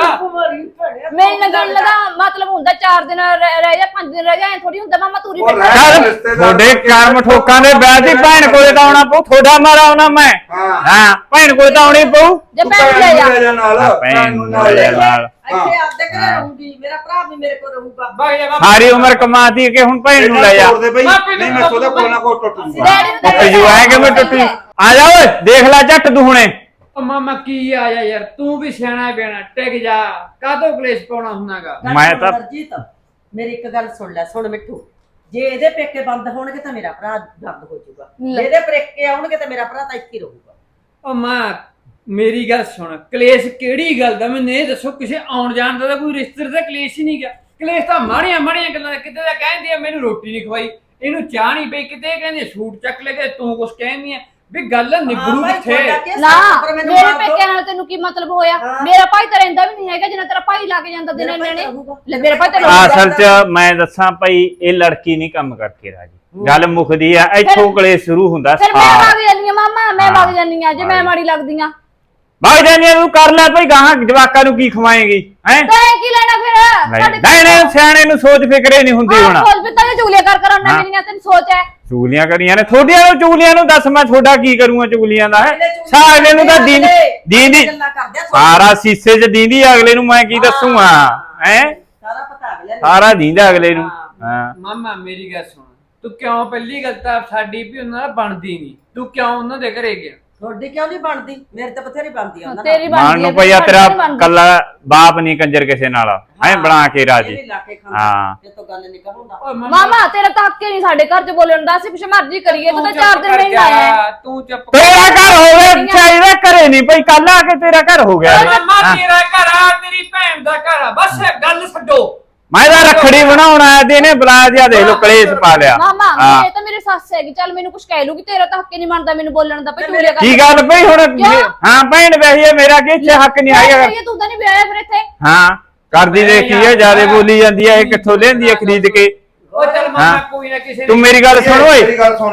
D: ਮੇਰੀ ਨਗਣ ਲਗਾ ਮਤਲਬ ਹੁੰਦਾ 4 ਦਿਨ ਰਹਿ ਜਾ 5 ਦਿਨ ਰਹਿ ਜਾ ਐ ਥੋੜੀ ਹੁੰਦਾ ਮਾਮਾ ਤੂੰ
B: ਉਹ
D: ਬੈਠਾ
B: ਰਹਿ-
A: ਚੱਲ ਤੁਹਾਡੇ ਕਰਮ ਠੋਕਾਂ ਦੇ ਵਿਆਹ ਦੀ ਭੈਣ ਕੋਲੇ ਤਾਂ ਆਉਣਾ ਪਊ ਤੁਹਾਡਾ ਮਾਰਾ ਆਉਣਾ ਮੈਂ
B: ਹਾਂ।
A: ਹਾਂ ਭੈਣ ਕੋਲੇ ਤਾਂ ਆਉਣੀ ਪਊ
D: ਜੇ
B: ਤੂੰ
D: ਭੈਣ ਲੈ ਜਾ
B: ਨਾਲ
A: ਭੈਣ ਨੂੰ
B: ਨਾਲ
A: ਲੈ ਜਾ ਨਾਲ
C: ਇੱਥੇ ਆਪਦੇ ਘਰੇ ਰਹੂੰਗੀ ਮੇਰਾ ਭਰਾ ਵੀ ਮੇਰੇ ਕੋਲ ਰਹੂਗਾ
F: ਬਾਈ ਜਾ
A: ਸਾਰੀ ਉਮਰ ਕਮਾਤੀ ਕਿ ਹੁਣ ਭੈਣ ਨੂੰ ਲੈ ਜਾ
B: ਤੋੜ ਦੇ ਬਈ ਨਹੀਂ ਮੈਂ ਸੋਦਾ ਕੋਲ ਨਾ ਕੋਲ ਟੁੱਟ ਜੂਗਾ
D: ਡੈਡੀ ਨੂੰ ਤਾਂ
A: ਟੁੱਟ ਜੂ ਐ ਕਿ ਮੈਂ ਟੁੱਟੀ ਆ ਜਾ ਓਏ ਦੇਖ ਲੈ ਝੱਟ ਤੂੰ ਹੁਣੇ
F: ਉਹ ਮਾਮਾ ਕੀ ਆ ਜਾ ਯਾਰ ਤੂੰ ਵੀ ਸਿਆਣਾ ਬਿਆਣਾ ਟਿਕ ਜਾ ਕਾਹਤੋਂ ਕਲੇਸ਼ ਪਾਉਣਾ ਹੁੰਨਾਗਾ
A: ਮੈਂ ਤਾਂ-
C: ਹਰਜੀਤ ਮੇਰੀ ਇੱਕ ਗੱਲ ਸੁਣ ਲੈ ਸੁਣ ਮਿੱਠੂ ਜੇ ਇਹਦੇ ਪੇਕੇ ਬੰਦ ਹੋਣਗੇ ਤਾਂ ਮੇਰਾ ਭਰਾ ਬੰਦ ਹੋ ਜਾਊਗਾ ਜੇ ਇਹਦੇ ਪੇਕੇ ਆਉਣਗੇ ਤਾਂ ਮੇਰਾ ਭਰਾ ਤਾਂ ਇੱਥੇ ਹੀ ਰਹੂਗਾ
F: ਉਹ ਮਾਂ ਮੇਰੀ ਗੱਲ ਸੁਣ ਕਲੇਸ਼ ਕਿਹੜੀ ਗੱਲ ਦਾ ਮੈਨੂੰ ਇਹ ਦੱਸੋ ਕਿਸੇ ਆਉਣ ਜਾਣ ਦਾ ਤਾਂ ਕੋਈ ਰਿਸ਼ਤੇ ਦਾ ਕਲੇਸ਼ ਹੀ ਨਹੀਂ ਗਿਆ ਕਲੇਸ਼ ਤਾਂ ਮਾੜੀਆਂ ਮਾੜੀਆਂ ਗੱਲਾਂ ਦਾ ਕਿਤੇ ਦਾ ਕਹਿੰਦੀ ਆ ਮੈਨੂੰ ਰੋਟੀ ਨਹੀਂ ਖਵਾਈ ਇਹਨੂੰ ਚਾਹ ਨਹੀਂ ਪਈ ਕਿਤੇ ਕਹਿੰਦੇ ਸੂਟ ਚੱਕ ਲੈ ਕੇ ਤੂੰ ਕੁਛ ਕਹਿੰਦੀ ਆ ਵੀ ਗੱਲ ਨਿਬੜੂ ਕਿੱਥੇ
D: ਨਾ ਮੇਰੇ ਪੇਕਿਆਂ ਨਾਲ ਤੈਨੂੰ ਕੀ ਮਤਲਬ ਹੋਇਆ ਮੇਰਾ ਭਾਈ ਤਾਂ ਰਹਿੰਦਾ ਵੀ ਨਹੀਂ ਹੈਗਾ ਜਿੰਨਾ ਤੇਰਾ ਭਾਈ ਲਾ ਕੇ ਜਾਂਦਾ ਦਿਨੇ ਨੇਣੇ ਲੈ ਮੇਰੇ ਭਾਈ ਤਾਂ
A: ਅਸਲ 'ਚ ਮੈਂ ਦੱਸਾਂ ਭਾਈ ਇਹ ਲੜਕੀ ਨਹੀਂ ਕੰਮ ਕਰਕੇ ਰਾਜੀ ਗੱਲ ਮੁੱਕਦੀ ਆ ਇੱਥੋਂ ਕਲੇਸ਼ ਸ਼ੁਰੂ ਹੁੰਦਾ
D: ਫਿਰ ਮੈਂ
A: ਸਾਰ
D: ਵਗ ਜਾਂਦੀ ਆ ਮਾਮਾ ਮੈਂ ਵਗ ਜਾਂਦੀ ਆ ਜੇ ਮੈਂ ਮਾੜੀ ਲੱਗਦੀ ਆ
A: ਭਾਈ ਜਾਨੀ ਤੂੰ ਕਰ ਲੈ ਭਾਈ ਗਾਹਾਂ ਜਵਾਕਾਂ ਨੂੰ ਕੀ ਖਵਾਏਂਗੀ ਹੈ
D: ਤਾਂ ਇਹ ਕੀ ਲੈਣਾ ਫਿਰ
A: ਨਹੀਂ ਸਿਆਣੇ ਨੂੰ ਸੋਚ ਫਿਕਰੇ ਨਹੀਂ ਹੁੰਦੀ ਹੁਣ
D: ਸੋਚ ਵੀ ਤਾਂ ਚੁਗਲੀਆਂ ਕਰ ਆਉਣਾ
A: ਹਾਂ।
D: ਮੇਰੀਆਂ ਤੈਨੂੰ ਸੋਚ ਹੈ
A: ਚੁਗਲੀਆਂ ਕਰੀਆਂ ਨੇ ਥੋੜੀਆਂ ਨੂੰ ਚੁਗਲੀਆਂ ਨੂੰ ਦੱਸ ਮੈਂ ਤੁਹਾਡਾ ਕੀ ਕਰੂੰਗਾ ਚੁਗਲੀਆਂ ਦਾ ਹੈ ਸਾਰੇ ਨੂੰ ਤਾਂ ਦੀਂਦੀ ਸਾਰਾ ਸੀਸੇ 'ਚ ਦੀਂਦੀ ਅਗਲੇ ਨੂੰ ਮੈਂ ਕੀ ਦੱਸੂਗਾ ਹੈ
C: ਸਾਰਾ ਪਤਾ ਅਗਲੇ ਨੂੰ।
A: ਸਾਰਾ ਦੀਂਦਾ ਅਗਲੇ ਨੂੰ ਹਾਂ
F: ਮਾਮਾ ਮੇਰੀ ਗੱਲ ਸੁਣ ਤੂੰ ਕਿਉਂ ਪਹਿਲੀ ਗੱਲ ਤਾਂ ਸਾਡੀ ਵੀ ਉਹਨਾਂ ਨਾਲ ਬਣਦੀ ਨਹੀਂ ਤੂੰ ਕਿਉਂ ਉਹਨਾਂ ਦੇ ਘਰੇ ਗਿਆ
C: ਤੁਹਾਡੀ ਕਿਉਂ ਨਹੀਂ ਬਣਦੀ ਮੇਰੇ ਤਾਂ ਬਥੇਰੀ ਬਣਦੀ ਆ ਉਹਨਾਂ ਨਾਲ
D: ਤੇਰੀ
A: ਮਾਨ
D: ਬਣਦੀ
A: ਨੂੰ
D: ਹੈ
A: ਭਈਆ
D: ਸਾਡੀ
A: ਤੇਰਾ
D: ਨਹੀਂ ਬਣਦੀ।
A: ਕੱਲਾ ਬਾਪ ਨਹੀਂ ਕੰਜਰ ਕਿਸੇ ਨਾਲ ਹੈ ਬਣਾ ਕੇ ਰਾਜੀ
C: ਇਹ ਵੀ ਲਾ ਕੇ ਖਾਂਦਾ
A: ਹਾਂ।
C: ਇਹ ਤਾਂ ਗੱਲ ਨਹੀਂ ਕਹੂੰਦਾ
F: ਓਏ
D: ਮਾਮਾ ਤੇਰਾ ਤਾਂ ਹੱਕ ਹੀ ਨਹੀਂ ਸਾਡੇ ਘਰ 'ਚ ਬੋਲਣ ਦਾ ਅਸੀਂ ਕੁਛ ਮਰਜ਼ੀ ਕਰੀਏ ਤੂੰ ਤਾਂ 4 ਦਿਨ ਨਹੀਂ ਆਇਆ
F: ਤੂੰ ਚੁੱਪ ਕਰ
A: ਤੇਰਾ ਘਰ ਹੋਵੇ ਚਾਹੀਦਾ ਘਰੇ ਨਹੀਂ ਭਈ ਕੱਲ ਆ ਕੇ ਤੇਰਾ ਘਰ ਹੋ ਗਿਆ
F: ਮਾਮਾ ਤੇਰਾ ਘਰ ਆ ਤੇਰੀ ਭੈਣ ਦਾ ਘਰ ਆ ਬਸ ਗੱਲ ਛੱਡੋ
A: ਮੈਂ ਤਾਂ ਰੱਖੜੀ ਬਣਾਉਣ ਆਇਆ ਤੇ ਇਹਨੇ ਬੁਲਾਇਆ ਜਿਆ ਦੇਖ ਲੋ ਕਲੇਸ਼ ਪਾ ਲਿਆ
D: ਮਾਮਾ
A: ਹਾਂ।
D: ਇਹ ਤਾਂ ਮੇਰੀ ਸੱਸ ਹੈਗੀ ਚੱਲ ਮੈਨੂੰ ਕੁਛ ਕਹਿ ਲੂਗੀ ਤੇਰਾ ਤਾਂ ਹੱਕ ਹੀ ਨਹੀਂ ਮੰਨਦਾ ਮੈਨੂੰ ਬੋਲਣ ਦਾ ਭਈ ਤੂੰ ਲਿਆ ਕਰ
A: ਕੀ ਗੱਲ ਭਈ ਹੁਣ ਹਾਂ ਭੈਣ ਵੈਸੀ ਹੈ ਮੇਰਾ ਕੀ ਇੱਥੇ ਹੱਕ ਨਹੀਂ ਆਏਗਾ
D: ਤੂੰ ਤਾਂ ਨਹੀਂ ਵਿਆਹਿਆ ਫਿਰ ਇੱਥੇ
A: ਹਾਂ ਕਰਦੀ ਦੇਖੀ ਹੈ ਜਿਆਦੇ ਬੋਲੀ ਜਾਂਦੀ ਹੈ ਇਹ ਕਿੱਥੋਂ ਲੈਂਦੀ ਹੈ ਖਰੀਦ ਕੇ
F: ਉਹ ਚੱਲ ਮਾਮਾ ਕੋਈ ਨਾ ਕਿਸੇ
A: ਤੂੰ ਮੇਰੀ ਗੱਲ ਸੁਣ ਓਏ
B: ਮੇਰੀ ਗੱਲ ਸੁਣ ਲਾ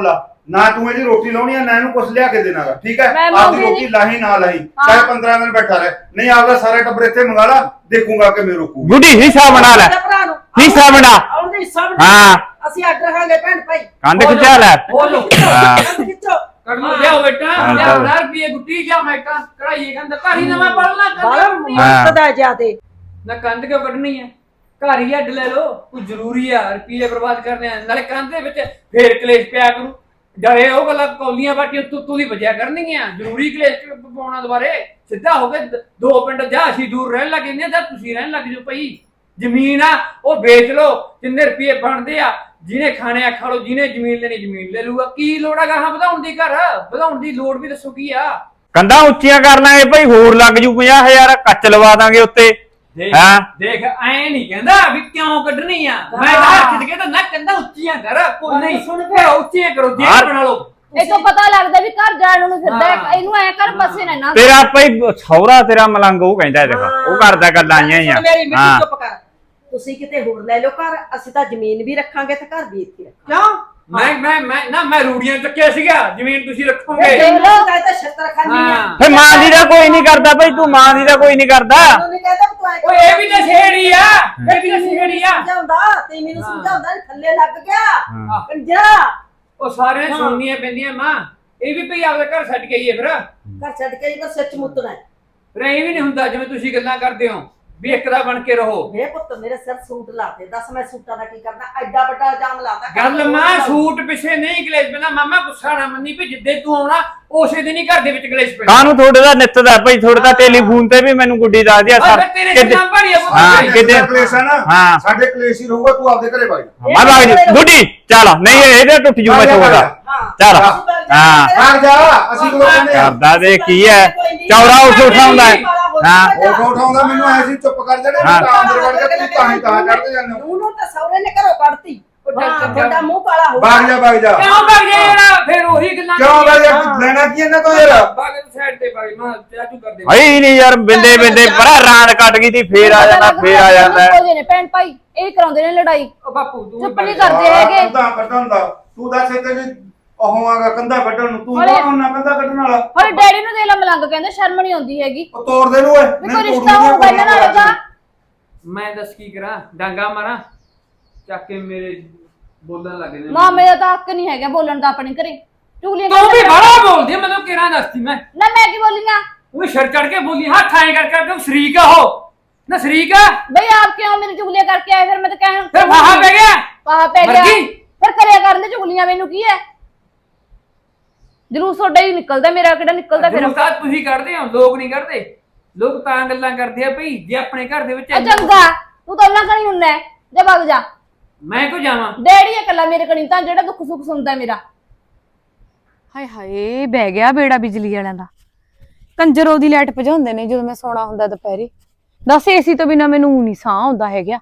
B: ਨਾ ਤੂੰ ਇਹਦੀ ਰੋਟੀ ਲਾਉਣੀ ਆ ਨਾ ਇਹਨੂੰ ਕੁਛ ਲਿਆ ਕੇ ਦੇਣਾਗਾ, ਠੀਕ ਹੈ?
D: ਮੈਂ
B: ਆਪਦੀ
D: ਮੰਗਦੀ
B: ਰੋਟੀ
D: ਨਹੀਂ।
B: ਲਾਹੀ ਨਾ ਲਾਹੀ, ਚਾਹੇ 15 ਦਿਨ ਬੈਠਾ ਰਹੇ, ਨਹੀਂ ਆਪਦਾ ਸਾਰਾ ਟੱਬਰ ਇੱਥੇ ਮੰਗਾ ਲਾ, ਦੇਖੂਗਾ ਕਿ ਮੇਰੇ ਰੋਕੂ।
A: ਗੁੱਡੀ ਹਿੱਸਾ ਬਣਾ ਲੈ,
C: ਭਰਾ ਨੂੰ
A: ਹਿੱਸਾ ਬਣਾ।
C: ਆਉਂਦੇ ਹਿੱਸਾ ਬਣਾ।
A: ਹਾਂ
C: ਅਸੀਂ ਅੱਡ ਰਹਾਂਗੇ ਭੈਣ ਭਾਈ।
A: ਕੰਧ ਖਿਚਾ ਲੈ।
F: ਬੋਲੋ
A: ਹਾਂ।
C: ਕੰਧ ਖਿੱਚੋ।
F: ਕਰਮੋ ਲਿਆਓ ਬੇਟਾ,
A: ਹਾਂ,
F: ਲਿਆਓ
A: ਚੱਲ।
F: ਰੁਪਏ ਗੁੱਟੀ ਜਾ ਮੈਟਾ ਕਢਾਈਏ ਕਹਿੰਦਾ ਘਰ ਹੀ ਨਵਾਂ ਪੜਨਾ
C: ਬਾਲਾ ਮਸਤ ਦਾ ਜਿਆਦੇ।
F: ਨਾ ਕੰਧ ਕਿਉਂ ਕੱਢਣੀ ਹੈ, ਘਰ ਹੀ ਅੱਡ ਲੈ ਲਓ, ਕੋਈ ਜ਼ਰੂਰੀ ਆ ਰੁਪਏ ਬਰਬਾਦ ਕਰਨੇ ਆ, ਨਾਲੇ ਕੰਧ ਦੇ ਵਿੱਚ ਫੇਰ ਕਲੇਸ਼ ਪਿਆ ਕਰੂ, ਡਰੇ ਉਹ ਗੱਲਾਂ ਕੌਲੀਆਂ ਬਾਟੀਆਂ ਤੂੰ ਦੀ ਵਜਿਆ ਕਰਨਗੀਆਂ, ਜ਼ਰੂਰੀ ਕਲੇਸ਼ ਪਾਉਣਾ ਦੁਬਾਰੇ, ਸਿੱਧਾ ਹੋ ਕੇ ਦੋ ਪਿੰਡ ਜਾ ਅਸੀਂ ਦੂਰ ਰਹਿਣ ਲੱਗੇ ਨੇ, ਜਾਂ ਤੁਸੀਂ ਰਹਿਣ ਲੱਗ ਜਾਓ ਭਾਈ, ਜ਼ਮੀਨ ਆ ਉਹ ਵੇਚ ਲਓ, ਜਿੰਨੇ ਰੁਪਏ ਬਣਦੇ ਆ, ਜਿਹਨੇ ਖਾਣੇ ਆ ਖਾ ਲਓ, ਜਿਹਨੇ ਜ਼ਮੀਨ ਲੈਣੀ ਜ਼ਮੀਨ ਲੈ ਲੂਗਾ, ਕੀ ਲੋੜ ਆ ਗਾਹਾਂ ਵਧਾਉਣ ਦੀ, ਘਰ ਵਧਾਉਣ ਦੀ ਲੋੜ ਵੀ ਦੱਸੋ ਕੀ ਆ?
A: ਕੰਧਾਂ ਉੱਚੀਆਂ ਕਰ ਲਾਂਗੇ ਭਾਈ, ਹੋਰ ਲੱਗ ਜੂ 50,000 ਕੱਚ ਲਵਾ ਦਾਂਗੇ ਉੱਤੇ।
F: ਦੇਖ
A: ਹਾਂ।
F: ਦੇਖ ਐ ਨਹੀਂ ਕਹਿੰਦਾ ਵੀ ਕਿਉਂ ਕੱਢਣੀ ਆ, ਮੈਂ ਤਾਂ ਖਿੱਚ ਕੇ ਤਾਂ ਨਾ ਕਹਿੰਦਾ ਉੱਚੀਆਂ ਕਰ, ਕੋਈ ਨਹੀਂ
C: ਸੁਣ
F: ਫਿਰ ਉੱਚੀਆਂ ਕਰੋ, ਜੇ
A: ਹਾਂ।
F: ਬਣਾ ਲਓ।
D: ਇਹ ਤੋਂ ਪਤਾ ਲੱਗਦਾ ਵੀ ਘਰ ਜਾਣ ਨੂੰ ਫਿਰਦਾ ਹੈ,
F: ਹਾਂ।
D: ਇਹਨੂੰ ਐ ਕਰ ਬਸੇ ਨਾ ਨਾ
A: ਤੇਰਾ ਭਾਈ ਸਹੁਰਾ ਤੇਰਾ ਮਲੰਗ ਉਹ ਕਹਿੰਦਾ ਦੇਖ, ਉਹ ਕਰਦਾ ਗੱਲਾਂ ਆਈਆਂ ਹੀ ਆ।
C: ਸੁਣ ਮੇਰੀ ਮਿੱਟੀ
A: ਹਾਂ
C: ਚੁੱਪ ਕਰ। ਤੁਸੀਂ ਕਿਤੇ ਹੋਰ ਲੈ ਲਓ ਘਰ, ਅਸੀਂ ਤਾਂ ਜ਼ਮੀਨ ਵੀ ਰੱਖਾਂਗੇ ਤੇ ਘਰ ਵੀ ਇੱਥੇ ਰੱਖਾਂਗੇ।
F: ਕਿਉਂ ਮੈਂ ਰੂੜੀਆਂ ਚੱਕਿਆ ਸੀਗਾ, ਜ਼ਮੀਨ ਤੁਸੀਂ ਰੱਖੋਗੇ।
C: ਇਹ ਦੇਖ ਲਓ ਤਾਂ ਇਹ ਤਾਂ ਛੱਤਰ ਖਾਨੀ ਆ।
F: ਹਾਂ।
A: ਫੇ ਮਾਂ ਦੀ ਦਾ ਕੋਈ ਨਹੀਂ ਕਰਦਾ ਭਾਈ, ਤੂੰ ਮਾਂ ਦੀ ਦਾ ਕੋਈ ਨਹੀਂ ਕਰਦਾ।
C: ਮੈਨੂੰ ਨਹੀਂ ਕਹਿੰਦਾ ਤੂੰ ਐ
F: ਓਏ ਇਹ ਵੀ ਤਾਂ ਛੇੜੀ ਆ, ਇਹ ਵੀ ਤਾਂ ਛੇੜੀ ਆ।
C: ਸਮਝਾਉਂਦਾ ਤੇ ਮੈਨੂੰ
F: ਹਾਂ।
C: ਸਮਝਾਉਂਦਾ ਥੱਲੇ ਲੱਗ ਗਿਆ
A: ਹਾਂ।
C: ਕੰਜਾ।
F: ਉਹ ਸਾਰਿਆਂ ਸੁਣਨੀਆਂ ਪੈਂਦੀਆਂ ਮਾਂ, ਇਹ ਵੀ ਭਈ ਆਪਦਾ ਘਰ ਛੱਡ ਕੇ ਆਈਏ ਫਿਰ
C: ਘਰ ਛੱਡ ਕੇ ਹੀ ਤਾਂ ਸੱਚ ਮੁੱਤਣਾ ਹੈ।
F: ਇਹ ਵੀ ਨਹੀਂ ਹੁੰਦਾ ਜਿਵੇਂ ਤੁਸੀਂ ਗੱਲਾਂ ਕਰਦੇ ਹੋ ਵੀ ਇੱਕ ਦਾ ਬਣ ਕੇ ਰਹੋ।
C: ਮੇਰੇ ਪੁੱਤ ਮੇਰੇ ਸਿਰ ਸੂਟ ਲਾਤੇ, ਦੱਸ ਮੈਂ ਸੂਟਾਂ ਦਾ ਕੀ ਕਰਦਾ? ਐਡਾ ਵੱਡਾ ਇਲਜ਼ਾਮ ਲਾਤਾ।
F: ਗੱਲ ਮਾਂ ਸੂਟ ਪਿੱਛੇ ਨਹੀਂ ਕਲੇਸ਼ ਪੈਣਾ, ਮਾਮਾ ਗੁੱਸਾ ਨਾ ਮੰਨੀ ਵੀ ਜਿੱਦੇ ਤੂੰ ਆਉਣਾ ਉਸੇ ਦਿਨ ਹੀ ਘਰ ਦੇ ਵਿੱਚ ਕਲੇਸ਼ ਪੈਣਾ।
A: ਕਾਹਨੂੰ ਥੋੜੇ ਦਾ ਨਿੱਤ ਦਾ ਭਾਈ, ਥੋੜੇ ਦਾ ਟੈਲੀਫੋਨ ਤੇ ਵੀ ਮੈਨੂੰ ਗੁੱਡੀ ਦੱਸਦੀ ਆ
F: ਓਏ ਤੇਰੇ ਨਾਮ ਭਾਰੀ ਆ
A: ਹਾਂ,
F: ਪੁੱਤ।
A: ਕਿਤੇ-
B: ਕਲੇਸ਼ ਹੈ ਨਾ,
A: ਹਾਂ।
B: ਸਾਡੇ ਕਲੇਸ਼ ਹੀ ਰਹੂਗਾ, ਤੂੰ ਆਪਦੇ ਘਰੇ ਵਗ ਜਾ।
A: ਮੈਂ ਵਗ ਜੂ ਗੁੱਡੀ, ਚੱਲ ਨਹੀਂ ਇਹਦੇ ਟੁੱਟ ਜੂ ਮੈਂ ਥੋੜਾ ਚੱਲ। ਹਾਂ
B: ਭਾਗ ਜਾ, ਅਸੀਂ ਕੋਲ ਕਹਿੰਦੇ ਆ।
A: ਕਰਦਾ ਦੇ ਕੀ ਹੈ, ਚੌੜਾ ਉੱਠ ਉਠਾਉਂਦਾ ਹੈ। ਹਾਂ।
B: ਉਹ ਉਠਾਉਂਦਾ ਮੈਨੂੰ ਐ ਸੀ ਚੁੱਪ ਕਰ ਜਾਣੇ,
A: ਹਾਂ।
B: ਤਾਂ ਅੰਦਰ ਵੜ ਕੇ ਤੂੰ ਤਾਂ ਹੀ ਤਾਂ ਚੜਦੇ ਜਾਂਦੇ ਹੋ।
C: ਉਹਨੂੰ ਤਾਂ ਸਹੁਰੇ ਨੇ ਘਰੋਂ ਕੱਢਤੀ। ਤੁਹਾਡਾ ਮੂੰਹ ਕਾਲਾ ਹੋ
B: ਭਾਗ ਜਾ ਭਾਗ ਜਾ।
F: ਕਿਉਂ ਭੱਜ ਗਿਆ ਯਾਰ, ਫਿਰ ਉਹੀ ਗੱਲਾਂ
B: ਕਿਉਂ ਭਾਗ ਜਾ, ਲੈਣਾ ਕੀ ਇਹਨਾਂ ਤੋਂ ਯਾਰ?
F: ਬਾਗੇ ਤੋਂ ਸਾਈਡ ਤੇ ਭਾਈ ਮਾਂ ਚਾਚੂ ਕਰਦੇ
A: ਭਾਈ ਨਹੀਂ ਯਾਰ, ਬਿੰਦੇ ਬਿੰਦੇ ਬੜਾ ਰਾਤ ਕੱਟ ਗਈ ਤੀ, ਫੇਰ ਆ ਜਾਂਦਾ ਫੇਰ ਆ ਜਾਂਦਾ।
D: ਨੇ ਭੈਣ ਭਾਈ ਇਹ ਕਰਾਉਂਦੇ ਨੇ ਲੜਾਈ,
F: ਉਹ ਬਾਪੂ ਤੂੰ
D: ਚੁੱਪ ਨਹੀਂ ਕਰਦੇ ਹੈਗੇ।
B: ਕੰਧਾਂ ਕੱਢਣ ਦਾ ਤੂੰ ਦੱਸ ਇੱਥੇ ਵੀ ਉਹ ਆਗਾ ਕੰਧਾ ਕੱਢਣ ਨੂੰ, ਤੂੰ
D: ਅਰੇ।
B: ਕੌਣ ਨਾ ਕੰਧਾ ਕੱਢਣ ਵਾਲਾ?
D: ਹੋਰ ਡੈਡੀ ਨੂੰ ਦੇ ਲਾ ਮਲੰਗ, ਕਹਿੰਦੇ ਸ਼ਰਮ ਨਹੀਂ ਆਉਂਦੀ ਹੈਗੀ,
B: ਉਹ ਤੋੜ ਦੇ ਨੂੰ ਓਏ,
D: ਵੀ ਕੋਈ ਰਿਸ਼ਤਾ ਹੋਊਗਾ ਇਹਨਾਂ ਨਾਲ ਇਹਦਾ।
F: ਮੈਂ ਦੱਸ ਕੀ ਕਰਾਂ, ਡਾਂਗਾ ਮਾਰਾਂ ਚੱਕ ਕੇ ਮੇਰੇ ਬੋਲਣ ਲੱਗ ਜਾਂਦੇ।
D: ਮਾਮੇ ਦਾ ਤਾਂ ਹੱਕ ਨਹੀਂ ਹੈਗਾ ਬੋਲਣ ਦਾ ਆਪਣੇ ਘਰੇ, ਚੁਗਲੀਆਂ
F: ਤੂੰ ਵੀ
D: ਕਰਦਾ।
F: ਬੜਾ ਬੋਲਦੀ ਆ, ਮੈਨੂੰ ਕਿਹੜਾ ਦੱਸਦੀ ਮੈਂ
D: ਨਾ ਮੈਂ ਕੀ ਬੋਲੀਆਂ
F: ਉਹ ਸਿਰ ਚੜ ਕੇ ਬੋਲੀ, ਹੱਥ ਐਂ ਕਰ ਕਰਕੇ ਸ਼ਰੀਕ ਆ ਉਹ ਨਾ ਸ਼ਰੀਕ ਆ,
D: ਬਈ ਆਪ ਕਿਉਂ ਮੇਰੀ ਚੁਗਲੀਆਂ ਕਰਕੇ ਆਏ? ਫਿਰ ਮੈਂ ਤਾਂ ਕਹਿਣ
F: ਫਿਰ ਵਾਹ ਪੈ ਗਿਆ
D: ਵਾਹ ਪੈ ਗਿਆ,
F: ਮਰ ਗਈ।
D: ਫਿਰ ਕਰਿਆ ਕਰਨ ਦੇ ਚੁਗਲੀਆਂ, ਮੈਨੂੰ ਕੀ ਹੈ? ਜਲੂਸ ਤੁਹਾਡਾ ਹੀ ਨਿਕਲਦਾ, ਮੇਰਾ ਕਿਹੜਾ ਨਿਕਲਦਾ ਫਿਰ?
F: ਜਲੂਸ ਤਾਂ ਤੁਸੀਂ ਕੱਢਦੇ ਹੋ, ਲੋਕ ਨਹੀਂ ਕੱਢਦੇ। ਲੋਕ ਤਾਂ ਗੱਲਾਂ ਕਰਦੇ ਆ ਭਈ ਜੇ ਆਪਣੇ ਘਰ ਦੇ ਵਿੱਚ
D: ਆ ਚੰਗਾ, ਤੂੰ ਤਾਂ ਉਹਨਾਂ ਕਣੀ ਹੁੰਨਾ ਜਾ ਵਗ ਜਾ।
F: ਮੈਂ ਕਿਉਂ ਜਾਵਾਂ?
D: ਡੈਡੀ ਇਕੱਲਾ ਮੇਰੇ ਕਣੀ ਤਾਂ ਜਿਹੜਾ ਦੁੱਖ ਸੁੱਖ ਸੁਣਦਾ ਮੇਰਾ।
E: ਹਾਏ ਹਾਏ ਬਹਿ ਗਿਆ ਬੇੜਾ ਬਿਜਲੀ ਵਾਲਿਆਂ ਦਾ। ਕੰਜਰ ਉਹਦੀ ਲਾਈਟ ਭਜਾਉਂਦੇ ਨੇ ਜਦੋਂ ਮੈਂ ਸੌਣਾ ਹੁੰਦਾ ਦੁਪਹਿਰੇ। ਦੱਸ ਏਸੀ ਤੋਂ ਬਿਨਾ ਮੈਨੂੰ ਨਹੀਂ ਸਾਹ ਆਉਂਦਾ ਹੈਗਾ।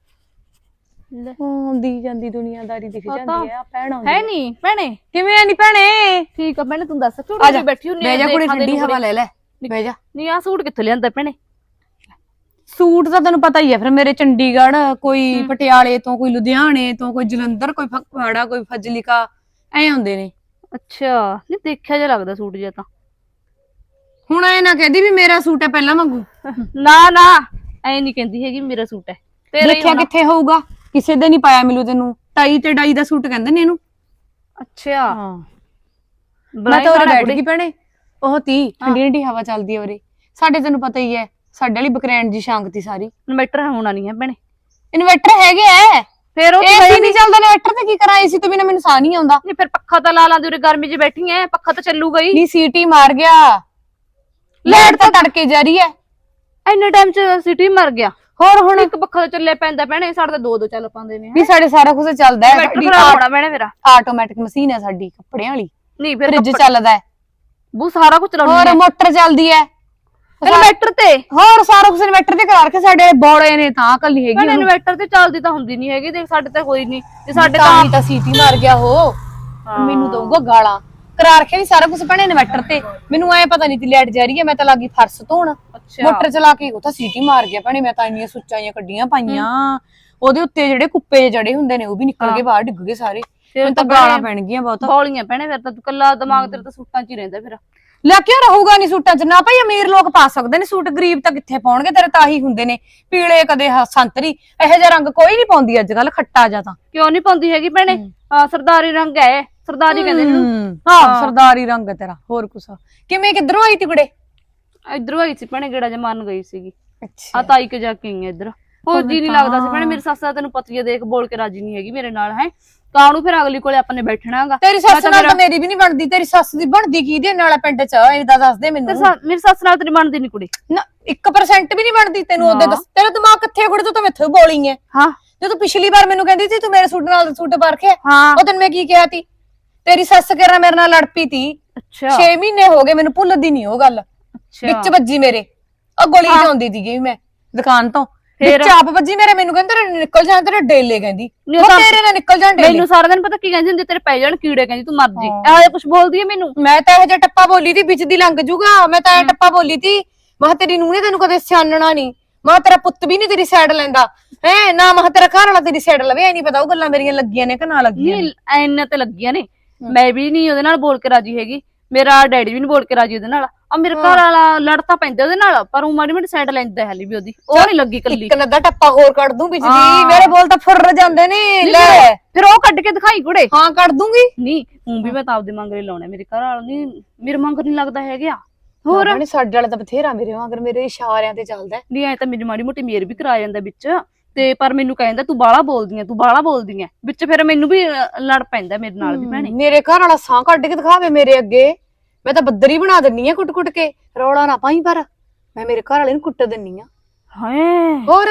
E: ਆਉਂਦੀ ਜਾਂਦੀ ਦੁਨੀਆਦਾਰੀ ਦਿਖ ਜਾਂਦੀ ਹੈ, ਭੈਣ ਆਉਂਦੀ
D: ਹੈ ਨਹੀਂ ਭੈਣੇ?
E: ਕਿਵੇਂ ਨਹੀਂ ਭੈਣੇ?
D: ਠੀਕ ਆ ਭੈਣੇ, ਤੂੰ ਦੱਸ।
E: ਆ
D: ਝੂੜੀ
E: ਜਾ
D: ਬੈਠੀ ਹੁੰਨੀ
E: ਬਹਿ ਜਾ ਕੁੜੀ, ਠੰਡੀ ਹਵਾ ਲੈ ਲੈ, ਬਹਿ ਜਾ।
D: ਨਹੀਂ ਆ ਸੂਟ ਕਿੱਥੋਂ ਲਿਆਂਦਾ ਭੈਣੇ?
E: ਸੂਟ ਤਾਂ ਤੈਨੂੰ ਪਤਾ ਹੀ ਹੈ ਫਿਰ ਮੇਰੇ, ਚੰਡੀਗੜ੍ਹ, ਕੋਈ ਪਟਿਆਲੇ ਤੋਂ, ਕੋਈ ਲੁਧਿਆਣੇ ਤੋਂ, ਕੋਈ ਜਲੰਧਰ, ਕੋਈ ਫਗਵਾੜਾ, ਕੋਈ ਫਜ਼ਲਿਕਾ, ਐ ਆਉਂਦੇ ਨੇ।
D: ਅੱਛਾ, ਨਹੀਂ ਦੇਖਿਆ ਜਿਹਾ ਲੱਗਦਾ ਸੂਟ ਜਿਹਾ ਤਾਂ।
E: ਹੁਣ ਐ ਨਾ ਕਹਦੀ ਵੀ ਮੇਰਾ ਸੂਟ ਹੈ ਪਹਿਲਾਂ ਵਾਂਗੂ।
D: ਨਾ ਨਾ ਐ ਨਹੀਂ ਕਹਿੰਦੀ ਹੈਗੀ ਮੇਰਾ ਸੂਟ ਹੈ ਤੇਰਾ ਹੀ
E: ਦੇਖਿਆ
D: ਹੋਣਾ।
E: ਕਿੱਥੇ ਹੋਊਗਾ, ਕਿਸੇ ਦੇ ਨਹੀਂ ਪਾਇਆ ਮਿਲੂ ਤੈਨੂੰ। ਟਾਈ ਤੇ ਡਾਈ ਦਾ ਸੂਟ ਕਹਿੰਦੇ ਨੇ ਇਹਨੂੰ।
D: ਅੱਛਾ,
E: ਹਾਂ ਮੈਂ ਤਾਂ ਉਰੇ ਬੈਠ ਗਈ ਭੈਣੇ, ਉਹ ਤੀ ਠੰਡੀ ਠੰਡੀ ਹਵਾ ਚੱਲਦੀ ਹੈ ਉਰੇ। ਸਾਡੇ ਤੈਨੂੰ ਪਤਾ ਹੀ ਹੈ, ਸਾਡੇ ਵਾਲੀ ਬਕਰੈਂਡ ਜੀ ਸ਼ਾਂਤੀ ਸਾਰੀ।
D: ਇਨਵਰਟਰ ਹੋਣਾ ਨਹੀਂ ਹੈ ਭੈਣੇ।
E: ਇਨਵਰਟਰ ਹੈਗੇ ਐ,
D: ਫਿਰ ਉਹ
E: ਏਸੀ ਨਹੀਂ ਚੱਲਦਾ ਇਨਵਰਟਰ ਤੇ ਕੀ ਕਰਾਂ? ਏਸੀ ਤੋਂ ਬਿਨਾ ਮੈਨੂੰ ਸਾਹ ਨਹੀਂ ਆਉਂਦਾ।
D: ਨਹੀਂ ਫਿਰ ਪੱਖਾ ਤਾਂ ਲਾ ਲਾਂਦੇ, ਉਰੇ ਗਰਮੀ 'ਚ ਬੈਠੀ ਐ, ਪੱਖਾ ਤਾਂ ਚੱਲੂਗਾ ਹੀ।
E: ਨਹੀਂ ਸੀਟੀ ਮਾਰ ਗਿਆ, ਲਾਈਟ ਤਾਂ ਤੜਕੇ ਜਾ ਰਹੀ ਹੈ।
D: ਇੰਨੇ ਟਾਈਮ 'ਚ ਸਿਟੀ ਮਰ ਗਿਆ।
E: ਹੋਰ ਹੁਣ
D: ਇੱਕ ਪੱਖਾ ਤਾਂ ਚੱਲੇ ਪੈਂਦਾ ਭੈਣੇ, ਸਾਡੇ ਤਾਂ ਦੋ ਚੱਲ ਪਾਉਂਦੇ ਨੇ।
E: ਵੀ ਸਾਡੇ ਸਾਰਾ ਕੁਝ ਚੱਲਦਾ ਹੈ।
D: ਇਨਵਰਟਰ ਖਰਾਬ ਹੋਣਾ ਭੈਣੇ ਮੇਰਾ।
E: ਆਟੋਮੈਟਿਕ ਮਸ਼ੀਨ ਹੈ ਸਾਡੀ ਕੱਪੜਿਆਂ ਵਾਲੀ,
D: ਨਹੀਂ ਫਿਰ
E: ਫ੍ਰਿਜ ਚੱਲਦਾ ਹੈ,
D: ਬੂ ਸਾਰਾ ਕੁਝ ਚਲਾਉਣੀ
E: ਹੋਰ
D: ਹੈ
E: ਮੋਟਰ ਚੱਲਦੀ ਹੈ,
D: ਇਨਵਰਟਰ ਤੇ।
E: ਹੋਰ ਸਾਰਾ ਕੁਝ ਇਨਵਰਟਰ ਤੇ ਕਰਾ ਰੱਖਿਆ। ਸਾਡੇ ਬੋੜੇ ਨੇ ਤਾਂ ਅਕਲ ਨਹੀਂ ਹੈਗੀ
D: ਭੈਣੇ
E: ਉਹਨੂੰ।
D: ਇਨਵਰਟਰ ਤੇ ਚੱਲਦੀ ਤਾਂ ਹੁੰਦੀ ਨਹੀਂ ਹੈਗੀ, ਦੇਖ ਸਾਡੇ ਤਾਂ ਕੋਈ ਨਹੀਂ। ਤੇ ਸਾਡੇ
E: ਤਾਂ ਹੀ ਤਾਂ ਸੀਟੀ ਮਾਰ ਗਿਆ ਉਹ। ਮੈਨੂੰ ਦਊਗਾ ਗਾਲਾਂ। ਕਰਾ ਰੱਖਿਆ ਵੀ ਸਾਰਾ ਕੁਝ ਭੈਣੇ ਇਨਵਰਟਰ ਤੇ। ਮੈਨੂੰ ਐ ਪਤਾ ਨਹੀਂ ਤੀ ਲਾਈਟ ਜਾ ਰਹੀ ਹੈ, ਮੈਂ ਤਾਂ ਲੱਗੀ ਫਰਸ਼ ਧੋਣ, ਮੋਟਰ ਚਲਾ ਕੇ ਉਹ ਤਾਂ ਸੀਟੀ ਮਾਰ ਗਿਆ ਭੈਣੇ। ਮੈਂ ਤਾਂ ਇੰਨੀਆਂ ਸੁੱਚਾਂ ਕੱਢੀਆਂ ਪਾਈਆਂ, ਉਹਦੇ ਉੱਤੇ ਜਿਹੜੇ ਕੁੱਪੇ ਜੜੇ ਹੁੰਦੇ ਨੇ ਉਹ ਵੀ ਨਿਕਲ ਕੇ ਬਾਹਰ ਡਿੱਗ ਗਏ ਸਾਰੇ।
D: ਫਿਰ
E: ਤਾਂ ਗਾਲਾਂ ਪੈਣਗੀਆਂ ਬਹੁਤ।
D: ਬੌਲੀਆਂ ਪੈਣੇ ਫਿਰ ਤਾਂ ਤੂੰ ਕੱਲਾ ਦਿਮਾਗ ਤੇਰਾ ਤਾਂ ਸੂਟਾਂ 'ਚ ਹੀ ਰਹਿੰਦਾ ਫਿਰ।
E: ਲੈ ਕਿਉਂ ਰਹੂਗਾ ਨਹੀਂ ਸੂਟਾਂ 'ਚ? ਨਾ ਭਾਈ ਅਮੀਰ ਲੋਕ ਪਾ ਸਕਦੇ ਨੇ ਸੂਟ, ਗਰੀਬ ਤਾਂ ਕਿੱਥੇ ਪਾਉਣਗੇ, ਤੇਰੇ ਤਾਂ ਆਹੀ ਹੁੰਦੇ ਨੇ ਪੀਲੇ ਕਦੇ ਸੰਤਰੀ, ਇਹੋ ਜਿਹਾ ਰੰਗ ਕੋਈ ਨਹੀਂ ਪਾਉਂਦੀ ਅੱਜ ਕੱਲ, ਖੱਟਾ ਜਾਂ ਤਾਂ।
D: ਕਿਉਂ ਨਹੀਂ ਪਾਉਂਦੀ ਹੈਗੀ ਭੈਣੇ? ਹਾਂ ਸਰਦਾਰੀ ਰੰਗ ਹੈ, ਸਰਦਾਰੀ ਕਹਿੰਦੇ ਇਹਨੂੰ।
E: ਹਾਂ ਸਰਦਾਰੀ ਰੰਗ ਹੈ ਤੇਰਾ। ਹੋਰ ਕੁਛ ਕਿਵੇਂ ਕਿੱਧਰੋਂ ਆਈ ਤੀ ਕੁੜੇ?
D: ਇਧਰੋਂ ਆਈ ਸੀ ਭੈਣੇ, ਗੇੜਾ ਜਮਾਨ ਗਈ ਸੀਗੀ।
E: ਅੱਛਾ
D: ਆ ਤਾਈ ਕੇ ਜਾ ਕੇ ਆਈ ਇੱਧਰ। ਹੋਰ ਜੀ ਨਹੀਂ ਲੱਗਦਾ ਸੀ ਭੈਣੇ, ਮੇਰੀ ਸੱਸ ਦਾ ਤੈਨੂੰ ਪਤਾ ਹੀ ਹੈ, ਦੇਖ ਬੋਲ ਕੇ ਰਾਜੀ ਨਹੀਂ ਹੈਗੀ ਮੇਰੇ ਨਾਲ ਹੈ। ਕਾਹਨੂੰ ਫਿਰ ਅਗਲੀ ਕੋਲੇ ਆਪਾਂ ਨੇ ਬੈਠਣਾਗਾ।
E: ਤੇਰੀ ਸੱਸ ਨਾਲ ਤਾਂ ਮੇਰੀ ਵੀ ਨਹੀਂ ਬਣਦੀ, ਤੇਰੀ ਸੱਸ ਦੀ ਬਣਦੀ ਕਿਹਦੇ ਨਾਲ ਪਿੰਡ 'ਚ ਇਹਦਾ ਦੱਸ ਦੇ ਮੈਨੂੰ।
D: ਮੇਰੀ ਸੱਸ ਨਾਲ ਤੇਰੀ ਬਣਦੀ ਨਹੀਂ ਕੁੜੀ
E: ਨਾ 1% ਵੀ ਨਹੀਂ ਬਣਦੀ ਤੈਨੂੰ। ਉਹਦੇ ਦੱਸ ਤੇਰਾ ਦਿਮਾਗ ਕਿੱਥੇ ਕੁੜੇ? ਤੂੰ ਤਾਂ ਮੈਥੋਂ ਬੋਲੀ ਐ।
D: ਹਾਂ
E: ਜਦੋਂ ਪਿਛਲੀ ਵਾਰ ਮੈਨੂੰ ਕਹਿੰਦੀ ਸੀ ਤੂੰ ਮੇਰੇ ਸੂਟ ਨਾਲ ਸੂਟ ਪਾ ਰੱਖਿਆ,
D: ਹਾਂ
E: ਉਹ ਤੈਨੂੰ ਮੈਂ ਕੀ ਕਿਹਾ ਤੀ? ਤੇਰੀ ਸੱਸ ਕਿਹੜਾ ਮੇਰੇ ਨਾਲ ਲੜ ਪਈ ਤੀ।
D: ਅੱਛਾ
E: 6 ਮਹੀਨੇ ਹੋ ਗਏ ਮੈਨੂੰ ਭੁੱਲਦੀ ਨਹੀਂ ਉਹ ਗੱਲ। ਵਿੱਚ ਵੱਜੀ ਮੇਰੇ, ਉਹ ਗਲੀ 'ਚ ਆਉਂਦੀ ਸੀਗੀ ਮੈਂ ਦੁਕਾਨ ਤੋਂ, ਵਿੱਚ ਆਪ ਵੱਜੀ ਮੇਰੇ। ਮੈਨੂੰ ਕਹਿੰਦੇ ਤੇਰੇ ਨਿਕਲ ਜਾਣ, ਤੇਰੇ ਡੇਲੇ ਕਹਿੰਦੀ ਤੇਰੇ ਨਾਲ ਨਿਕਲ ਜਾਣ ਡੇਲੇ।
D: ਮੈਨੂੰ ਸਾਰਾ ਦਿਨ ਪਤਾ ਕੀ ਕਹਿੰਦੀ ਹੁੰਦੀ, ਤੇਰੇ ਪੈ ਜਾਣ ਕੀੜੇ, ਕਹਿੰਦੀ ਤੂੰ ਮਰ ਜੀ। ਇਹੋ ਜਿਹਾ ਕੁਝ ਬੋਲਦੀ ਹੈ ਮੈਨੂੰ।
E: ਮੈਂ ਤਾਂ ਇਹੋ ਜਿਹਾ ਟੱਪਾ ਬੋਲੀ ਤੀ ਵਿੱਚ ਦੀ ਲੰਘ ਜੂਗਾ, ਮੈਂ ਤਾਂ ਇਹ ਟੱਪਾ ਬੋਲੀ ਤੀ। ਮੈਂ ਕਿਹਾ ਤੇਰੀ ਨੂੰਹ ਨੇ ਤੈਨੂੰ ਕਦੇ ਸਿਆਣਨਾ ਨਹੀਂ, ਮੈਂ ਤੇਰਾ ਪੁੱਤ ਵੀ ਨਹੀਂ ਤੇਰੀ ਸਾਈਡ ਲੈਂਦਾ ਹੈ ਨਾ, ਮੈਂ ਤੇਰਾ ਘਰ ਵਾਲਾ ਤੇਰੀ ਸਾਈਡ ਲਵੇ। ਐ ਨਹੀਂ ਪਤਾ ਉਹ ਗੱਲਾਂ ਮੇਰੀਆਂ ਲੱਗੀਆਂ ਨੇ ਕਿ ਨਾ ਲੱਗੀਆਂ।
D: ਨਹੀਂ ਐਨੇ ਤੇ ਲੱਗੀਆਂ ਨੇ, ਮੈਂ ਵੀ ਨਹੀਂ ਉਹਦੇ ਨਾਲ ਬੋਲ ਕੇ ਰਾਜੀ ਹੈਗੀ, ਮੇਰਾ ਡੈਡੀ ਵੀ ਨਹੀਂ ਬੋਲ ਕੇ ਰਾਜੀ ਉਹਦੇ ਨਾਲ। ਆ ਮੇਰੇ ਘਰ ਵਾਲਾ ਲੜਤਾ ਪੈਂਦਾ ਉਹਦੇ ਨਾਲ, ਪਰ ਉਹ ਮਾੜੀ ਮਾੜੀ ਸਾਈਡ ਲੈਂਦਾ ਹਾਲੀ ਵੀ ਉਹਦੀ, ਉਹ ਨਹੀਂ ਲੱਗੀ ਕੱਲੀ।
E: ਇੱਕ ਨੱਦਾ ਟੱਪਾ ਹੋਰ ਕੱਢ ਦੂੰ ਵਿੱਚ ਦੀ, ਮੇਰੇ ਬੋਲ ਤਾਂ ਫੁਰ ਜਾਂਦੇ ਨੇ। ਲੈ
D: ਫਿਰ ਉਹ ਕੱਢ ਕੇ ਦਿਖਾਈ ਕੁੜੇ।
E: ਹਾਂ ਕੱਢ ਦੂੰਗੀ।
D: ਨਹੀਂ ਹੁਣ ਵੀ ਮੈਂ ਤਾਂ ਆਪਦੇ ਮੰਗਰੇ ਲਾਉਣੇ, ਮੇਰੇ ਘਰ ਵਾਲਾ ਨਹੀਂ ਮੇਰੇ ਮੰਗਰ ਨਹੀਂ ਲੱਗਦਾ ਹੈਗਾ। ਹੋਰ
E: ਨਹੀਂ ਸਾਡੇ ਵਾਲਾ ਤਾਂ ਬਥੇਰਾ ਮੇਰੇ ਵਾਂਗਰ, ਮੇਰੇ ਇਸ਼ਾਰਿਆਂ ਤੇ ਚੱਲਦਾ।
D: ਨਹੀਂ ਐ ਤਾਂ ਮੇਰੀ ਮਾੜੀ ਮੋਟੀ ਮੇਰ ਵੀ ਕਰਾ ਜਾਂਦਾ ਵਿੱਚ, ਤੇ ਪਰ ਮੈਨੂੰ ਕਹਿੰਦਾ ਤੂੰ ਬਾਹਲਾ ਬੋਲਦੀ ਐ, ਤੂੰ ਬਾਹਲਾ ਬੋਲਦੀ ਐ ਵਿੱਚ। ਫਿਰ ਮੈਨੂੰ ਵੀ ਲੜ ਪੈਂਦਾ ਮੇਰੇ ਨਾਲ ਵੀ ਭੈਣੇ।
E: ਮੇਰੇ ਘਰ ਵਾਲਾ ਸਾਹ ਕੱਢ ਕੇ ਦਿਖਾਵੇ ਮੇਰੇ ਅੱਗੇ, ਮੈਂ ਤਾਂ ਬੱਦਰੀ ਬਣਾ ਦਿੰਨੀ ਆ ਕੁੱਟ ਕੁੱਟ ਕੇ। ਰੌਲਾ ਨਾ ਪਾਈ, ਪਰ ਮੈਂ ਮੇਰੇ ਘਰ ਵਾਲੇ ਨੂੰ ਕੁੱਟ ਦਿੰਨੀ ਆ।
D: ਹਾਏ
E: ਹੋਰ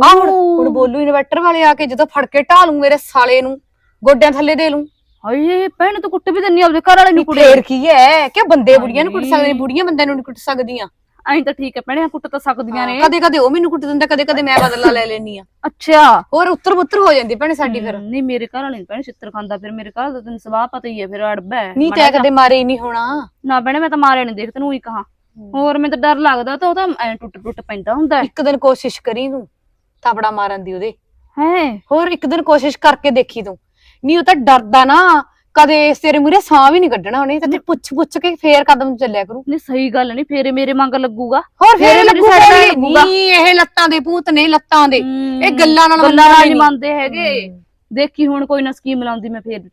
E: ਹੁਣ ਬੋਲੂ ਇਨਵਰਟਰ ਵਾਲੇ ਆ ਕੇ ਜਦੋਂ ਫੜ ਕੇ ਢਾਲੂ ਮੇਰੇ ਸਾਲੇ ਨੂੰ, ਗੋਡਿਆਂ ਥੱਲੇ ਦੇ ਲੂੰ।
D: ਹਾਏ ਭੈਣ ਤੂੰ ਕੁੱਟ ਵੀ ਦਿੰਨੀ ਆਪਦੇ ਘਰ ਵਾਲੇ ਨੂੰ ਕੁੜੇ।
E: ਫੇਰ ਕੀ ਹੈ ਕਿ ਬੰਦੇ ਬੁੜੀਆਂ ਨੂੰ ਕੁੱਟ ਸਕਦੇ, ਬੁੜੀਆਂ ਬੰਦਿਆਂ ਨੂੰ ਨਹੀਂ ਕੁੱਟ ਸਕਦੀਆਂ।
D: ਐਂ ਤਾਂ ਠੀਕ ਹੈ ਭੈਣੇ, ਕੁੱਟ ਤਾਂ ਸਕਦੀਆਂ ਨੇ।
E: ਕਦੇ ਕਦੇ ਉਹ ਮੈਨੂੰ ਕੁੱਟ ਦਿੰਦਾ, ਕਦੇ ਕਦੇ ਮੈਂ ਬਦਲਾ ਲੈ ਲੈਣੀ ਆ।
D: ਅੱਛਾ
E: ਹੋਰ ਉੱਤਰ ਪੁੱਤਰ ਹੋ ਜਾਂਦੀ ਭੈਣੇ ਸਾਡੀ। ਫਿਰ
D: ਨਹੀਂ ਮੇਰੇ ਘਰ ਵਾਲੇ ਨੀ ਭੈਣੇ ਛਿੱਤਰ ਖਾਂਦਾ, ਫਿਰ ਮੇਰੇ ਘਰ ਦਾ ਤੈਨੂੰ ਸਵਾਹ ਪਤਾ ਹੀ ਹੈ, ਫਿਰ ਅੜਬਾ ਹੈ
E: ਨਹੀਂ ਤੈ ਕਦੇ ਮਾਰੇ ਹੀ ਨਹੀਂ ਹੋਣਾ
D: ਨਾ ਭੈਣੇ। ਮੈਂ ਤਾਂ ਮਾਰਿਆ ਨੀ, ਦੇਖ ਤੈਨੂੰ ਹੀ ਕਹਾ। ਹੋਰ ਮੈਨੂੰ ਤਾਂ ਡਰ ਲੱਗਦਾ, ਤਾਂ ਉਹ ਤਾਂ ਐ ਟੁੱਟ ਟੁੱਟ ਪੈਂਦਾ ਹੁੰਦਾ।
E: ਇੱਕ ਦਿਨ ਕੋਸ਼ਿਸ਼ ਕਰੀ ਤੂੰ ਥਾਪੜਾ ਮਾਰਨ ਦੀ ਉਹਦੇ।
D: ਹੈ
E: ਹੋਰ ਇੱਕ ਦਿਨ ਕੋਸ਼ਿਸ਼ ਕਰਕੇ ਦੇਖੀ ਤੂੰ। ਨਹੀਂ ਉਹ ਤਾਂ ਡਰਦਾ ਨਾ, ਕਦੇ ਤੇਰੇ ਮੂਹਰੇ ਸਾਹ ਵੀ ਨਹੀਂ ਕੱਢਣਾ ਉਹਨੇ, ਤੇ ਪੁੱਛ ਪੁੱਛ ਕੇ ਫੇਰ ਕਦਮ ਚੱਲਿਆ ਕਰੂ।
D: ਨਹੀਂ ਸਹੀ ਗੱਲ ਨਹੀਂ, ਫੇਰੇ ਮੇਰੇ ਮੰਗ ਲੱਗੂਗਾ।
E: ਹੋਰ ਫੇਰ
D: ਮੇਰੀ
E: ਲੱਗੂਗਾ।
D: side ਲੱਗੂਗਾ।
E: ਨਹੀਂ ਇਹ ਲੱਤਾਂ ਦੇ ਭੂਤ ਨੇ, ਲੱਤਾਂ ਦੇ। ਇਹ ਗੱਲਾਂ ਨਾਲ
D: ਨਹੀਂ ਮੰਨਦੇ ਹੈਗੇ। ਦੇਖੀ ਹੁਣ ਕੋਈ ਨਾ ਸਕੀਮ ਲਾਉਂਦੀ ਮੈਂ ਫੇਰ।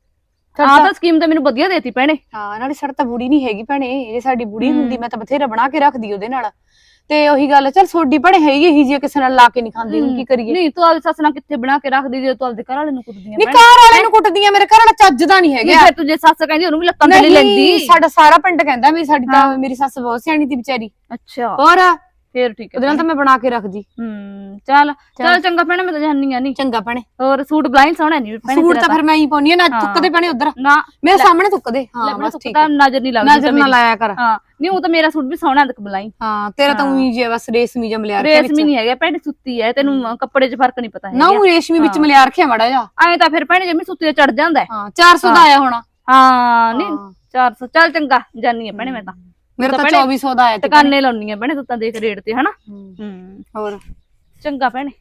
D: ਆਹ ਤਾਂ ਸਕੀਮ ਤਾਂ ਮੈਨੂੰ ਵਧੀਆ ਦੇਤੀ ਭੈਣੇ।
E: ਹਾਂ ਨਾਲੇ ਸਾਡਾ ਤਾਂ ਬੁੜੀ ਨਹੀਂ ਹੈਗੀ ਭੈਣੇ, ਜੇ ਸਾਡੀ ਬੁੜੀ ਹੁੰਦੀ ਮੈਂ ਤਾਂ ਬਥੇਰਾ ਬਣਾ ਕੇ ਰੱਖਦੀ ਉਹਦੇ ਨਾਲ। ਤੇ ਉਹੀ ਗੱਲ ਚੱਲ ਸੋਡੀ ਭੈਣੇ ਹੈਗੀ ਇਹੀ ਜੀ, ਕਿਸੇ ਨਾਲ ਲਾ ਕੇ ਨਹੀਂ ਖਾਂਦੀ, ਹੁਣ ਕੀ ਕਰੀਏ।
D: ਨਹੀਂ ਤੂੰ ਆਪਦੀ ਸੱਸ ਨਾਲ ਕਿੱਥੇ ਬਣਾ ਕੇ ਰੱਖਦੀ, ਜੇ ਤੂੰ ਆਪਦੇ ਘਰ ਵਾਲੇ ਨੂੰ ਕੁੱਟਦੀ
E: ਨਹੀਂ ਘਰ ਵਾਲੇ ਨੂੰ ਕੁੱਟਦੀਆਂ, ਮੇਰੇ ਘਰ ਵਾਲਾ ਚੱਜਦਾ ਨਹੀਂ ਹੈਗਾ।
D: ਫਿਰ ਤੂੰ ਜੇ ਸੱਸ ਕਹਿੰਦੀ ਉਹਨੂੰ ਵੀ ਲੱਤਾਂ ਤੇ ਲੈਂਦੀ।
E: ਸਾਡਾ ਸਾਰਾ ਪਿੰਡ ਕਹਿੰਦਾ ਵੀ ਸਾਡੀ ਤਾਂ ਮੇਰੀ ਸੱਸ ਬਹੁਤ ਸਿਆਣੀ ਸੀ ਵਿਚਾਰੀ।
D: ਅੱਛਾ
E: ਹੋਰ
D: ਫੇਰ ਠੀਕ ਹੈ,
E: ਉਹਦੇ ਨਾਲ ਤਾਂ ਮੈਂ ਬਣਾ ਕੇ ਰੱਖਦੀ।
D: ਚੱਲ ਚੱਲ ਚੰਗਾ ਭੈਣੇ, ਮੈਂ ਤਾਂ ਜਾਣੀ ਆ। ਨਹੀਂ
E: ਚੰਗਾ ਭੈਣੇ।
D: ਹੋਰ ਸੂਟ ਬਲਾਈਨ ਸੋਹਣਾ ਨਹੀਂ ਭੈਣੇ,
E: ਸੂਟ ਤਾਂ ਫਿਰ ਮੈਂ ਹੀ ਪਾਉਣੀ ਆ ਨਾ, ਥੁੱਕਦੇ ਭੈਣੇ ਉਧਰ
D: ਨਾ
E: ਮੇਰੇ ਸਾਹਮਣੇ ਥੁੱਕਦੇ। ਹਾਂ
D: ਬਸ ਠੀਕ ਹੈ, ਨਜ਼ਰ ਨਹੀਂ ਲੱਗਦੀ,
E: ਨਜ਼ਰ ਨਾ ਲਾਇਆ ਕਰ।
D: ਹਾਂ ਨਹੀਂ ਉਹ ਤਾਂ ਮੇਰਾ ਸੂਟ ਵੀ ਸੋਹਣਾ ਦੇਖ ਬਲਾਈ।
E: ਹਾਂ ਤੇਰਾ ਤਾਂ ਉਹੀ ਜੇ ਬਸ ਰੇਸ਼ਮੀ ਜਿਹਾ ਮਲਿਆ ਰੱਖਿਆ ਵਿੱਚ।
D: ਰੇਸ਼ਮੀ ਨਹੀਂ ਹੈਗਾ ਭੈਣੇ, ਸੁੱਤੀ ਹੈ, ਤੈਨੂੰ ਕੱਪੜੇ 'ਚ ਫਰਕ ਨਹੀਂ ਪਤਾ ਹੈਗਾ
E: ਨਾ ਉਹ ਰੇਸ਼ਮੀ ਵਿੱਚ ਮਲਿਆ ਰੱਖਿਆ ਮਾੜਾ ਜਿਹਾ।
D: ਐਂ ਤਾਂ ਫਿਰ ਭੈਣੇ ਜਿਵੇਂ ਸੁੱਤੀ ਤੇ ਚੜ ਜਾਂਦਾ।
E: ਹਾਂ 400 ਦਾ ਆਇਆ ਹੋਣਾ।
D: ਹਾਂ ਨਹੀਂ 400। ਚੱਲ ਚੰਗਾ ਜਾਨੀ ਆ ਭੈਣੇ ਮੈਂ ਤਾਂ।
E: ਮੇਰਾ ਤਾਂ 2400 ਦਾ ਆਇਆ ਤੇ
D: ਟਿਕਾਨੇ ਲਾਉਣੀ ਆ ਭੈਣੇ, ਤੂੰ ਤਾਂ ਦੇਖ ਰੇਟ ਤੇ ਹਨਾ।
E: ਹੋਰ
D: ਚੰਗਾ ਭੈਣੇ।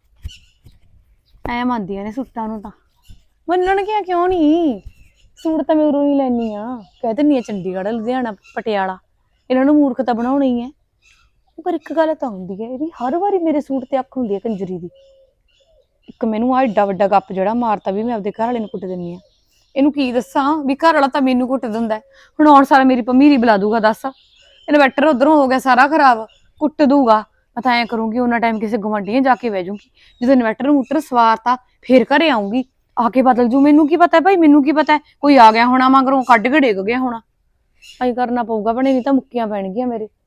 E: ਐ ਮੰਨਦੀਆਂ ਨੇ ਸੂਟਾਂ ਨੂੰ ਤਾਂ, ਮੰਨਣਗੀਆਂ ਕਿਉਂ ਨਹੀਂ। ਸੂਟ ਤਾਂ ਮੈਂ ਉਰੋਂ ਹੀ ਲੈਣੀ ਆ, ਕਹਿ ਦਿੰਨੀ ਆ ਚੰਡੀਗੜ੍ਹ, ਲੁਧਿਆਣਾ, ਪਟਿਆਲਾ, ਇਹਨਾਂ ਨੂੰ ਮੂਰਖ ਤਾਂ ਬਣਾਉਣਾ ਹੀ ਹੈ। ਪਰ ਇੱਕ ਗੱਲ ਤਾਂ ਹੁੰਦੀ ਹੈ, ਇਹਦੀ ਹਰ ਵਾਰੀ ਮੇਰੇ ਸੂਟ ਤੇ ਅੱਖ ਹੁੰਦੀ ਹੈ ਕੰਜਰੀ ਦੀ। ਇੱਕ ਮੈਨੂੰ ਆ ਏਡਾ ਵੱਡਾ ਗੱਪ ਜਿਹੜਾ ਮਾਰਤਾ ਵੀ ਮੈਂ ਆਪਦੇ ਘਰ ਵਾਲੇ ਨੂੰ ਕੁੱਟ ਦਿੰਨੀ ਆ। ਇਹਨੂੰ ਕੀ ਦੱਸਾਂ ਵੀ ਘਰ ਵਾਲਾ ਤਾਂ ਮੈਨੂੰ ਕੁੱਟ ਦਿੰਦਾ। ਹੁਣ ਆਉਣ ਸਾਰਾ ਮੇਰੀ ਭਮੀਰੀ ਬੁਲਾ ਦੂਗਾ, ਦੱਸ ਇਨਵਰਟਰ ਉਧਰੋਂ ਹੋ ਗਿਆ ਸਾਰਾ ਖਰਾਬ, ਕੁੱਟ ਦੂਗਾ। ਮੈਂ ਤਾਂ ਐਂ ਕਰੂੰਗੀ ਉਹਨਾਂ ਟਾਈਮ ਕਿਸੇ ਗੁਆਂਢੀਆਂ ਜਾ ਕੇ ਬਹਿ ਜੂੰਗੀ, ਜਦੋਂ ਇਨਵਰਟਰ ਮੂਟਰ ਸਵਾਰਤਾ ਫੇਰ ਘਰੇ ਆਉਂਗੀ, ਆ ਕੇ ਬਦਲ ਜੂ। ਮੈਨੂੰ ਕੀ ਪਤਾ ਭਾਈ, ਮੈਨੂੰ ਕੀ ਪਤਾ ਕੋਈ ਆ ਗਿਆ ਹੋਣਾ ਮਗਰੋਂ, ਕੱਢ ਕੇ ਡਿੱਗ ਗਿਆ ਹੋਣਾ। ਐਂ ਕਰਨਾ ਪਊਗਾ ਭੈਣੇ, ਨਹੀਂ ਤਾਂ ਮੁੱਕੀਆਂ ਪੈਣਗੀਆਂ ਮੇਰੇ।